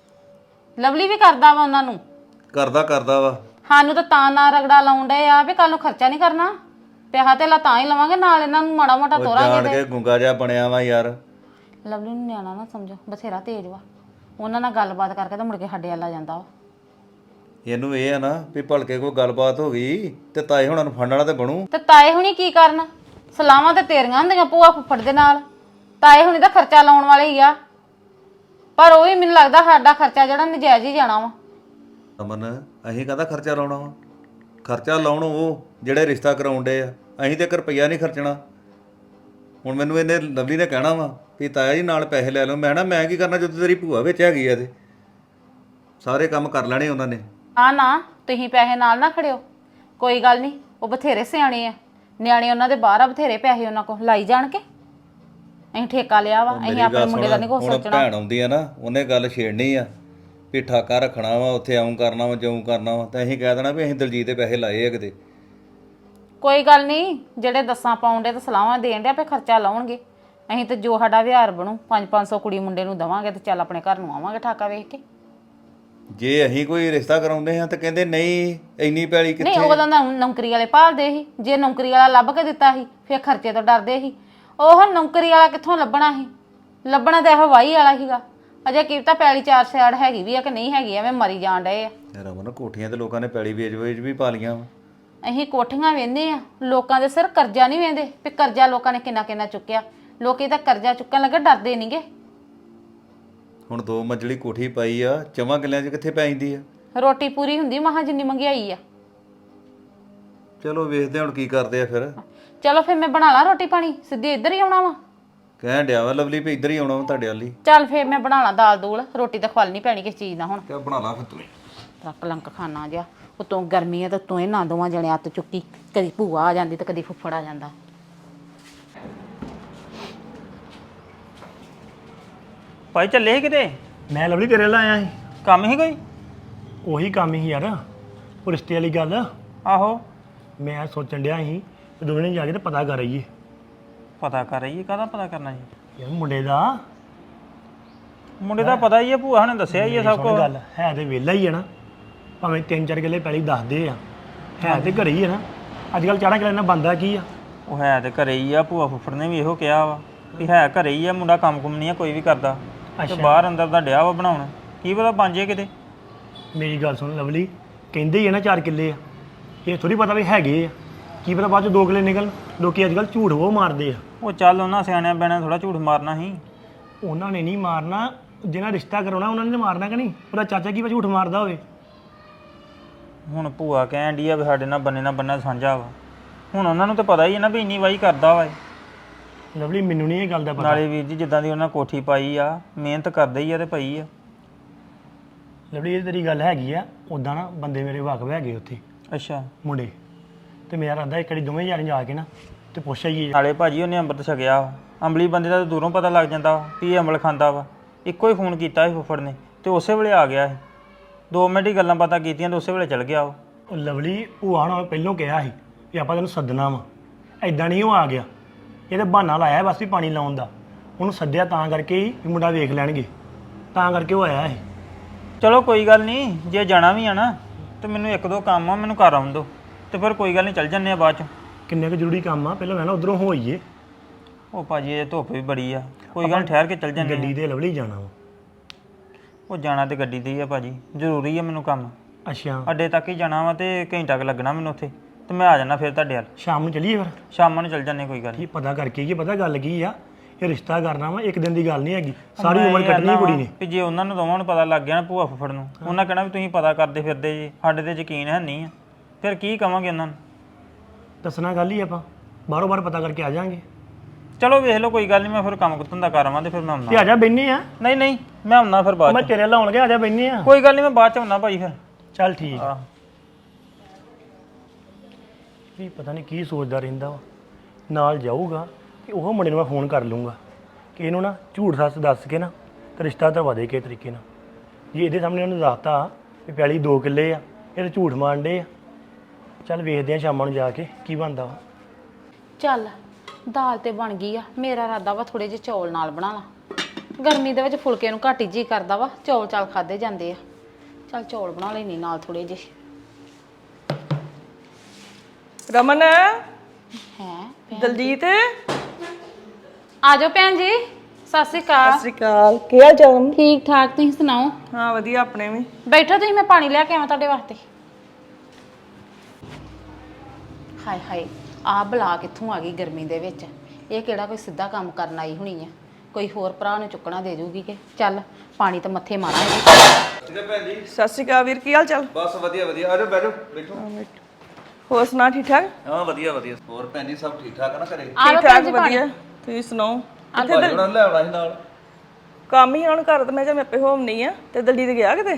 D: ਲਵਲੀ ਵੀ ਕਰਦਾ ਵਾ ਉਹਨਾਂ ਨੂੰ।
F: ਕਰਦਾ ਵਾ।
D: ਸਾਨੂੰ ਤਾਂ ਨਾ ਰਗੜਾ ਲਾਉਣ ਡਏ ਆ ਵੀ ਕੱਲ ਨੂੰ ਖਰਚਾ ਨਹੀਂ ਕਰਨਾ, ਪਿਆਹਾ ਤੇ ਤਾਂ ਹੀ ਲਵਾਂਗੇ, ਨਾਲ ਇਹਨਾਂ ਨੂੰ ਮਾੜਾ ਮੋਟਾ ਤੋਰਾਂਗੇ।
F: ਜਾਣ ਕੇ ਗੁੰਗਾ ਜਿਹਾ ਬਣਿਆ ਵਾ ਯਾਰ।
D: ਲਵਲੀ ਨੂੰ ਨਿਆਣਾ ਨਾ ਸਮਝੋ, ਬਥੇਰਾ ਤੇਜ਼ ਵਾ। ਉਹਨਾਂ ਨਾਲ ਗੱਲਬਾਤ ਕਰਕੇ ਤਾਂ ਮੁੜ ਕੇ ਸਾਡੇ ਵੱਲ ਆ ਜਾਂਦਾ ਵਾ।
F: ਇਹਨੂੰ ਇਹ ਆ ਨਾ ਵੀ ਭਲਕੇ ਕੋਈ ਗੱਲਬਾਤ ਹੋ ਗਈ ਤੇ ਤਾਏ ਹੁਣਾਂ ਨੂੰ ਫੜਨ ਵਾਲਾ ਤੇ ਬਣੂ।
D: ਤੇ ਤਾਏ ਹੁਣੀ ਕੀ ਕਰਨ? ਸਲਾਮਾਂ ਤੇ ਤੇਰੀਆਂ ਹੁੰਦੀਆਂ ਭੂਆ ਫੁੱਫੜ ਦੇ ਨਾਲ, ਤਾਏ ਹੁਣੀ ਤਾਂ ਖਰਚਾ ਲਾਉਣ ਵਾਲੇ ਹੀ ਆ। ਪਰ ਉਹ ਵੀ ਮੈਨੂੰ ਲੱਗਦਾ ਸਾਡਾ ਖਰਚਾ ਜਿਹੜਾ ਨਜਾਇਜ਼ ਹੀ ਜਾਣਾ ਵਾ।
F: ਅਮਨ ਅਸੀਂ ਕਾਹਦਾ ਖਰਚਾ ਲਾਉਣਾ ਵਾ? ਖਰਚਾ ਲਾਉਣ ਉਹ ਜਿਹੜੇ ਰਿਸ਼ਤਾ ਕਰਾਉਣ ਡੇ ਆ, ਅਸੀਂ ਤੇ 1 ਰੁਪਈਆ ਨਹੀਂ ਖਰਚਣਾ। ਹੁਣ ਮੈਨੂੰ ਇਹਨੇ ਲਵਲੀ ਨੇ ਕਹਿਣਾ ਵਾ ਵੀ ਤਾਇਆ ਜੀ ਨਾਲ ਪੈਸੇ ਲੈ ਲਓ। ਮੈਂ ਕੀ ਕਰਨਾ ਜਦੋਂ ਤੇਰੀ ਭੂਆ ਵਿੱਚ ਹੈਗੀ ਆ ਤੇ ਸਾਰੇ ਕੰਮ ਕਰ ਲੈਣੇ ਉਹਨਾਂ ਨੇ।
D: ਨਾ ਤੁਸੀਂ ਪੈਸੇ ਨਾਲ ਨਾ ਖੜਿਓ, ਕੋਈ ਗੱਲ ਨਹੀਂ, ਉਹ ਬਥੇਰੇ ਸਿਆਣੇ ਆ, ਨਿਆਣੇ ਉਹਨਾਂ ਦੇ ਬਾਹਰ ਆ, ਬਥੇਰੇ ਪੈਸੇ ਉਹਨਾਂ ਕੋਲ ਲਾਈ ਜਾਣ ਕੇ। ਅਸੀਂ ਠੇਕਾ ਲਿਆ ਵਾ, ਅਸੀਂ ਆਪਣੇ ਮੁੰਡੇ ਦਾ ਨਹੀਂ ਕੁਛ
F: ਹੁਣ
D: ਸੋਚਣਾ।
F: ਭੈਣ ਆਉਂਦੀ ਆ ਨਾ, ਉਹਨੇ ਗੱਲ ਛੇੜਨੀ ਆ ਵੀ ਠਾਕਾ ਰੱਖਣਾ ਵਾ, ਉੱਥੇ ਆਉਂ ਕਰਨਾ ਵਾ, ਜਿਉਂ ਕਰਨਾ ਵਾ, ਤਾਂ ਅਸੀਂ ਕਹਿ ਦੇਣਾ ਵੀ ਅਸੀਂ ਦਲਜੀਤ ਦੇ ਪੈਸੇ ਲਾਏ ਆ ਕਿਤੇ।
D: ਕੋਈ ਗੱਲ ਨਹੀਂ, ਜਿਹੜੇ 10 ਪਾਉਂਦੇ ਤੇ ਸਲਾਹਾਂ ਦੇਣ ਦੇ ਆਪੇ ਖਰਚਾ ਲਾਉਣਗੇ। ਅਸੀਂ ਤੇ ਜੋ ਸਾਡਾ ਵਿਹਾਰ ਬਣੂ 500 ਕੁੜੀ ਮੁੰਡੇ ਨੂੰ ਦਵਾਂਗੇ ਤੇ ਚੱਲ ਆਪਣੇ ਘਰ ਨੂੰ ਆਵਾਂਗੇ ਠਾਕਾ ਵੇਖ ਕੇ।
F: ਜੇ ਅਸੀਂ ਕੋਈ ਰਿਸ਼ਤਾ ਕਰਾਉਂਦੇ ਹਾਂ ਤਾਂ ਕਹਿੰਦੇ ਨਹੀਂ ਇੰਨੀ ਪੈਲੀ
D: ਨਹੀਂ,
F: ਕਿੱਥੇ।
D: ਉਹ ਤਾਂ ਨੌਕਰੀ ਵਾਲੇ ਭਾਲਦੇ ਸੀ। ਜੇ ਨੌਕਰੀ ਵਾਲਾ ਲੱਭ ਕੇ ਦਿੱਤਾ ਸੀ ਫਿਰ ਖਰਚੇ ਤੋਂ ਡਰਦੇ ਸੀ। ਉਹ ਨੌਕਰੀ ਵਾਲਾ ਕਿੱਥੋਂ ਲੱਭਣਾ ਸੀ? ਲੱਭਣਾ ਤਾਂ ਇਹੋ ਵਾਹੀ ਵਾਲਾ ਸੀਗਾ। ਅਜੇ ਕੀ ਤਾਂ ਪੈਲੀ 4 ਸਿਆੜ ਹੈਗੀ ਵੀ ਆ ਕਿ ਨਹੀਂ ਹੈਗੀ, ਐਵੇਂ ਮਰੀ ਜਾਣ ਡਏ ਆ।
F: ਰਮਨ ਕੋਠੀਆਂ ਤੇ ਲੋਕਾਂ ਨੇ ਪੈਲੀ ਵੇਚ ਵੀ ਪਾ ਲੀਆਂ ਵਾ।
D: ਅਸੀਂ ਕੋਠੀਆਂ ਵੇਂਦੇ ਆ, ਲੋਕਾਂ ਦੇ ਸਿਰ ਕਰਜ਼ਾ ਨਹੀਂ ਵੇਂਦੇ ਵੀ ਕਰਜ਼ਾ ਲੋਕਾਂ ਨੇ ਕਿੰਨਾ ਕਿੰਨਾ ਚੁੱਕਿਆ। ਲੋਕੀ ਤਾਂ ਕਰਜ਼ਾ ਚੁੱਕਣ ਲੱਗੇ ਡਰਦੇ ਨਹੀਂਗੇ।
F: ਹੁਣ 2 ਮੰਜ਼ਲੀ ਕੋਠੀ ਪਾਈ ਆ, 4 ਕਿੱਲਿਆਂ 'ਚ ਕਿੱਥੇ ਪੈ ਜਾਂਦੀ ਆ?
D: ਰੋਟੀ ਪੂਰੀ ਹੁੰਦੀ ਮਹਾ ਜਿੰਨੀ ਮਹਿੰਗਾਈ ਆ।
F: ਚਲੋ ਵੇਖਦੇ ਹੁਣ ਕੀ ਕਰਦੇ ਆ ਫਿਰ।
D: ਚਲੋ ਫਿਰ ਮੈਂ ਬਣਾ ਲਾ ਰੋਟੀ ਪਾਣੀ, ਸਿੱਧੀ ਇੱਧਰ ਹੀ ਆਉਣਾ ਵਾ।
F: ਕਹਿਣ ਡਿਆ ਵਾ ਲਵਲੀ ਵੀ ਇੱਧਰ ਹੀ ਆਉਣਾ ਵਾ ਤੁਹਾਡੇ ਵੱਲ ਹੀ।
D: ਚੱਲ ਫਿਰ ਮੈਂ ਬਣਾ ਲਾ ਦਾਲ ਦੂਲ, ਰੋਟੀ ਤਾਂ ਖਵਾਲਣੀ ਪੈਣੀ ਕਿਸ ਚੀਜ਼ ਦਾ ਹੁਣ।
F: ਕਿਆ ਬਣਾ ਲਾ ਫਿਰ ਤੂੰ।
D: ਰੱਖ ਲੰਕ ਖਾਣਾ ਜਿਹਾ, ਉਤੋਂ ਗਰਮੀ ਆ ਤਾਂ ਤੂੰ ਇਹਨਾਂ ਦੋਵਾਂ ਜਣੇ ਹੱਥ ਚੁੱਕੀ, ਕਦੀ ਭੂਆ ਆ ਜਾਂਦੀ ਤੇ ਕਦੀ ਫੁੱਫੜ ਆ ਜਾਂਦਾ।
A: ਭਾਈ ਚੱਲੇ ਸੀ ਕਿਤੇ?
G: ਮੈਂ ਲਵਲੀ ਤੇਰੇ ਨਾਲ ਆਇਆ ਸੀ।
A: ਕੰਮ ਹੀ ਕੋਈ?
G: ਉਹੀ ਕੰਮ ਹੀ ਯਾਰ, ਉਹ ਰਿਸ਼ਤੇ ਵਾਲੀ ਗੱਲ।
A: ਆਹੋ।
G: ਮੈਂ ਸੋਚਣ ਡਿਆ ਸੀ ਕਿ ਦੋਵੇਂ ਨੇ ਜਾ ਕੇ ਤੇ ਪਤਾ ਕਰ ਆਈਏ।
A: ਪਤਾ ਕਰ ਰਹੀ ਹੈ? ਕਾਹਦਾ ਪਤਾ ਕਰਨਾ ਜੀ?
G: ਯਾਰ ਮੁੰਡੇ ਦਾ
A: ਮੁੰਡੇ ਦਾ ਪਤਾ ਹੀ ਹੈ, ਭੂਆ ਨੇ ਦੱਸਿਆ ਹੀ ਹੈ ਸਭ
G: ਸੁਣ
A: ਕੁਝ।
G: ਗੱਲ ਹੈ ਤੇ ਵਿਹਲਾ ਹੀ ਹੈ ਨਾ, ਭਾਵੇਂ 3-4 ਕਿੱਲੇ ਪਹਿਲੀ ਦੱਸਦੇ ਆ, ਹੈ ਤੇ ਘਰੇ ਹੀ ਹੈ ਨਾ। ਅੱਜ ਕੱਲ੍ਹ 4 ਕਿੱਲੇ ਨਾਲ ਬੰਦਾ ਕੀ ਆ?
A: ਉਹ ਹੈ ਤੇ ਘਰੇ ਹੀ ਆ, ਭੂਆ ਫੁੱਫੜ ਨੇ ਵੀ ਇਹੋ ਕਿਹਾ ਵਾ ਵੀ ਹੈ ਘਰੇ ਹੀ ਆ, ਮੁੰਡਾ ਕੰਮ ਕੁਮ ਨਹੀਂ ਆ ਕੋਈ ਵੀ ਕਰਦਾ, ਤੇ ਬਾਹਰ ਅੰਦਰ ਦਾ ਡਿਆ ਵਾ ਬਣਾਉਣ, ਕੀ ਪਤਾ ਬਣ ਜੇ ਕਿਤੇ।
G: ਮੇਰੀ ਗੱਲ ਸੁਣ ਲਵਲੀ, ਕਹਿੰਦੇ ਹੀ ਆ ਨਾ 4 ਕਿੱਲੇ ਆ, ਇਹ ਥੋੜੀ ਪਤਾ ਵੀ ਹੈਗੇ ਆ, ਕੀ ਪਤਾ ਬਾਅਦ ਚ 2 ਕਿੱਲੇ ਨਿਕਲ। ਲੋਕੀ ਅੱਜ ਕੱਲ੍ਹ ਝੂਠ ਉਹ ਮਾਰਦੇ ਆ।
A: ਉਹ ਚੱਲ ਉਹਨਾਂ ਸਿਆਣਿਆਂ ਬਿਆਣਿਆਂ ਥੋੜਾ ਝੂਠ ਮਾਰਨਾ ਸੀ।
G: ਉਹਨਾਂ ਨੇ ਨਹੀਂ ਮਾਰਨਾ, ਜਿਹਨਾਂ ਰਿਸ਼ਤਾ ਕਰਾਉਣਾ ਉਹਨਾਂ ਨੇ ਮਾਰਨਾ ਕਿ ਨਹੀਂ? ਉਹਦਾ ਚਾਚਾ ਕੀ ਝੂਠ ਮਾਰਦਾ ਹੋਵੇ?
A: ਹੁਣ ਭੂਆ ਕਹਿਣ ਡਈ ਆ ਵੀ ਸਾਡੇ ਨਾਲ ਬੰਨੇ ਨਾਲ ਬੰਨਾ ਸਾਂਝਾ ਵਾ, ਹੁਣ ਉਹਨਾਂ ਨੂੰ ਤਾਂ ਪਤਾ ਹੀ ਹੈ ਨਾ ਵੀ ਇੰਨੀ ਵਾਹੀ ਕਰਦਾ ਵਾ ਇਹ।
G: ਲਵਲੀ ਮੈਨੂੰ ਨਹੀਂ ਇਹ ਗੱਲ ਦਾ ਪਤਾ।
A: ਨਾਲੇ ਵੀਰ ਜੀ ਜਿੱਦਾਂ ਦੀ ਉਹਨਾਂ ਕੋਠੀ ਪਾਈ ਆ, ਮਿਹਨਤ ਕਰਦੇ ਹੀ ਆ ਤੇ ਪਈ ਆ।
G: ਲਵਲੀ ਇਹ ਤੇਰੀ ਗੱਲ ਹੈਗੀ ਆ, ਉਦਾਂ ਨਾ ਬੰਦੇ ਮੇਰੇ ਵਾਕਫ ਹੈਗੇ ਉੱਥੇ
A: ਅੱਛਾ।
G: ਮੁੰਡੇ, ਤੇ ਮੇਰਾ ਇਰਾਦਾ ਇੱਕ ਵਾਰੀ ਦੋਵੇਂ ਜਾਣੇ ਜਾ ਕੇ ਨਾ ਤੇ ਪੁੱਛ ਆਈਏ।
A: ਨਾਲੇ ਭਾਜੀ ਉਹਨੇ ਅੰਮ੍ਰਿਤ ਛਕਿਆ ਵਾ, ਅੰਬਲੀ ਬੰਦੇ ਦਾ ਤਾਂ ਦੂਰੋਂ ਪਤਾ ਲੱਗ ਜਾਂਦਾ ਵਾ ਵੀ ਇਹ ਅੰਬਲ ਖਾਂਦਾ ਵਾ। ਇੱਕੋ ਹੀ ਫੋਨ ਕੀਤਾ ਸੀ ਫੁੱਫੜ ਨੇ ਤੇ ਉਸੇ ਵੇਲੇ ਆ ਗਿਆ ਸੀ, 2 ਮਿੰਟ ਹੀ ਗੱਲਾਂ ਬਾਤਾਂ ਕੀਤੀਆਂ ਤੇ ਉਸੇ ਵੇਲੇ ਚਲ ਗਿਆ ਉਹ।
G: ਉਹ ਲਵਲੀ ਭੂਆ ਨਾਲ ਪਹਿਲੋਂ ਕਿਹਾ ਸੀ ਵੀ ਆਪਾਂ ਤੈਨੂੰ ਸੱਦਣਾ ਵਾ, ਐਦਾਂ ਨਹੀਂ ਉਹ ਆ ਗਿਆ। ਇਹ ਤਾਂ ਬਹਾਨਾ ਲਾਇਆ ਬਸ ਵੀ ਪਾਣੀ ਲਾਉਣ ਦਾ। ਉਹਨੂੰ ਸੱਦਿਆ ਤਾਂ ਕਰਕੇ ਹੀ ਵੀ ਮੁੰਡਾ ਵੇਖ ਲੈਣਗੇ, ਤਾਂ ਕਰਕੇ ਉਹ ਆਇਆ ਸੀ।
A: ਚਲੋ ਕੋਈ ਗੱਲ ਨਹੀਂ, ਜੇ ਜਾਣਾ ਵੀ ਆ ਨਾ ਤੇ ਮੈਨੂੰ 1-2 ਕੰਮ ਆ, ਮੈਨੂੰ ਘਰ ਆਉਣ ਦਿਓ ਤੇ ਫਿਰ ਕੋਈ ਗੱਲ ਨਹੀਂ ਚੱਲ ਜੰਨੇ ਆ ਬਾਅਦ ਚ।
G: ਕਿੰਨੇ ਕੁ ਜ਼ਰੂਰੀ ਕੰਮ ਆ, ਪਹਿਲਾਂ ਮੈਂ ਨਾ ਉਧਰੋਂ ਹੋਈਏ।
A: ਉਹ ਭਾਜੀ ਇਹ ਧੁੱਪ ਵੀ ਬੜੀ ਆ, ਕੋਈ ਗੱਲ ਨੀ, ਠਹਿਰ ਕੇ ਚੱਲ ਜੰਨੇ
G: ਗੱਡੀ ਤੇ ਲਵਲੀ ਜਾਣਾ ਵਾ।
A: ਉਹ ਜਾਣਾ ਤੇ ਗੱਡੀ ਤੇ ਹੀ ਆ ਭਾਜੀ, ਜ਼ਰੂਰੀ ਆ ਮੈਨੂੰ ਕੰਮ।
G: ਅੱਛਾ,
A: ਅੱਡੇ ਤੱਕ ਹੀ ਜਾਣਾ ਵਾ ਤੇ ਘੰਟਾ ਕੁ ਲੱਗਣਾ ਮੈਨੂੰ ਉੱਥੇ, ਤੇ ਮੈਂ ਆ ਜਾਣਾ ਫਿਰ ਤੁਹਾਡੇ ਵੱਲ।
G: ਸ਼ਾਮ ਨੂੰ ਚੱਲੀਏ ਫਿਰ?
A: ਸ਼ਾਮਾਂ ਨੂੰ ਚੱਲ ਜੰਨੇ ਕੋਈ ਗੱਲ ਨੀ।
G: ਠੀਕ, ਪਤਾ ਕਰਕੇ ਕੀ ਪਤਾ ਗੱਲ ਕੀ ਆ। ਇਹ ਰਿਸ਼ਤਾ ਕਰਨਾ ਵਾ, ਇੱਕ ਦਿਨ ਦੀ ਗੱਲ ਨਹੀਂ ਹੈਗੀ, ਸਾਰੀ ਉਮਰ ਕੱਟਣੀ ਕੁੜੀ ਨੇ।
A: ਵੀ ਜੇ ਉਹਨਾਂ ਨੂੰ ਦੋਵਾਂ ਨੂੰ ਪਤਾ ਲੱਗ ਗਿਆ ਨਾ ਭੂਆ ਫੁੱਫੜ ਨੂੰ, ਉਹਨਾਂ ਕਹਿਣਾ ਵੀ ਤੁਸੀਂ ਪਤਾ ਕਰਦੇ ਫਿਰਦੇ ਜੀ, ਸਾਡੇ ਤੇ ਯਕੀਨ ਹੈ ਨਹੀਂ ਆ, ਫਿਰ ਕੀ ਕਵਾਂਗੇ ਉਹਨਾਂ ਨੂੰ?
G: ਦੱਸਣਾ ਗੱਲ ਹੀ ਆਪਾਂ ਬਾਹਰੋਂ ਬਾਹਰ ਪਤਾ ਕਰਕੇ ਆ ਜਾਾਂਗੇ।
A: ਚਲੋ ਵੇਖ ਲਓ ਕੋਈ ਗੱਲ ਨਹੀਂ, ਮੈਂ ਫਿਰ ਕੰਮ ਕੁੱਤਨ ਦਾ ਆਵਾਂ ਤੇ ਫਿਰ ਮੈਂ
G: ਤੇ
A: ਆਉਣਾ।
G: ਆ ਜਾ ਬੈਨੇ ਆ।
A: ਨਹੀਂ ਨਹੀਂ ਮੈਂ ਆਉਣਾ ਫਿਰ ਬਾਅਦ
G: ਮੈਂ
A: ਚ।
G: ਤੇਰੇ ਲਾਉਣ ਗਿਆ, ਆ ਜਾ ਬੈਨੇ ਆ।
A: ਕੋਈ ਗੱਲ ਨਹੀਂ ਮੈਂ ਬਾਅਦ ਚ ਆਉਣਾ ਭਾਈ ਫਿਰ।
G: ਚੱਲ ਠੀਕ ਆ।
A: ਆਹ
G: ਵੀ ਪਤਾ ਨਹੀਂ ਕੀ ਸੋਚਦਾ ਰਹਿੰਦਾ ਵਾ। ਨਾਲ ਜਾਊਗਾ ਕਿ ਉਹ ਮੁੰਡੇ ਨੂੰ ਮੈਂ ਫੋਨ ਕਰ ਲੂੰਗਾ ਕਿ ਇਹਨੂੰ ਨਾ ਝੂਠ ਸੱਚ ਦੱਸ ਕੇ ਨਾ ਤੇ ਰਿਸ਼ਤਾ ਕਰਵਾ ਦੇ ਕਿਸੇ ਤਰੀਕੇ ਨਾਲ। ਜੇ ਇਹਦੇ ਸਾਹਮਣੇ ਉਹਨੂੰ ਦੱਸਤਾ ਵੀ ਪੈਲੀ 2 ਕਿੱਲੇ ਆ, ਇਹ ਤਾਂ ਝੂਠ ਮਾਰਦੇ ਆ। ਚੱਲ ਵੇਖਦੇ ਆ ਸ਼ਾਮਾਂ ਨੂੰ ਜਾ ਕੇ ਕੀ ਬਣਦਾ ਵਾ।
D: ਚੱਲ ਦਾਲ ਤੇ ਬਣ ਗਈ ਆ, ਮੇਰਾ ਇਰਾਦਾ ਵਾ ਥੋੜੇ ਜਿਹੇ ਚੌਲ ਨਾਲ ਬਣਾ ਲਾ। ਗਰਮੀ ਦੇ ਵਿੱਚ ਫੁਲਕੇ ਨੂੰ ਘੱਟ ਹੀ ਜੀ ਕਰਦਾ ਵਾ, ਚੌਲ ਚਾਲ ਖਾਦੇ ਜਾਂਦੇ ਆ। ਚੱਲ ਚੌਲ ਬਣਾ ਲੈਣੀ ਨਾਲ ਥੋੜੇ ਜਿਹੇ।
E: ਰਮਨ,
D: ਹੈ
E: ਦਲਜੀਤ,
D: ਆ ਜਾਓ ਭੈਣ ਜੀ। ਸਤਿ ਸ਼੍ਰੀ ਅਕਾਲ।
E: ਸਤਿ ਸ਼੍ਰੀ ਅਕਾਲ। ਕੀ ਹਾਲ ਚਾਲ?
D: ਠੀਕ ਠਾਕ, ਤੁਸੀਂ ਸੁਣਾਓ?
E: ਹਾਂ ਵਧੀਆ, ਆਪਣੇ ਵੀ।
D: ਬੈਠੋ ਤੁਸੀਂ, ਮੈਂ ਪਾਣੀ ਲੈ ਕੇ ਆਵਾਂ ਤੁਹਾਡੇ ਵਾਸਤੇ। ਹਾਏ ਹਾਏ, ਆਹ ਬਲਾ ਕਿੱਥੋਂ ਆ ਗਈ ਗਰਮੀ ਦੇ ਵਿੱਚ? ਇਹ ਕਿਹੜਾ ਕੋਈ ਸਿੱਧਾ ਕੰਮ ਕਰਨ ਆਈ ਹੋਣੀ ਆ? ਕੋਈ ਹੋਰ ਭਰਾ ਨੂੰ ਚੁੱਕਣਾ ਦੇ ਜੂਗੀ ਕਿ? ਚੱਲ ਪਾਣੀ ਤਾਂ ਮੱਥੇ ਮਾਰਾਂਗੇ।
F: ਠੀਕ ਹੈ ਭੈਣ ਜੀ।
E: ਸਤਿ ਸ਼੍ਰੀ ਅਕਾਲ ਵੀਰ, ਕੀ ਹਾਲ ਚਾਲ?
F: ਬਸ ਵਧੀਆ ਵਧੀਆ, ਆ ਜਾਓ ਬੈਠੋ ਬੈਠੋ।
E: ਹੋਰ ਸੁਣਾ, ਠੀਕ ਠਾਕ?
F: ਹਾਂ ਵਧੀਆ ਵਧੀਆ। ਹੋਰ ਭੈਣ ਜੀ ਸਭ ਠੀਕ ਠਾਕ ਆ ਨਾ ਘਰੇ?
D: ਆ ਲਓ
E: ਠੀਕ
D: ਭੈਣ
E: ਠਾਕ
D: ਜੀ ਪਾਣੀ।
E: ਵਧੀਆ। ਤੁਸੀਂ ਸੁਣਾਓ?
F: ਭਾਜੀ ਉਹਨਾਂ ਨੂੰ ਲੈ ਆਉਣਾ ਸੀ ਨਾਲ।
E: ਕੰਮ ਹੀ ਹੁਣ ਘਰ ਤੇ ਮੈਂ ਕਿਹਾ ਮੈਂ ਆਪੇ ਹੋਮ ਨਹੀਂ ਆ। ਤੇ ਦਲਜੀਤ ਗਿਆ ਕਿਤੇ?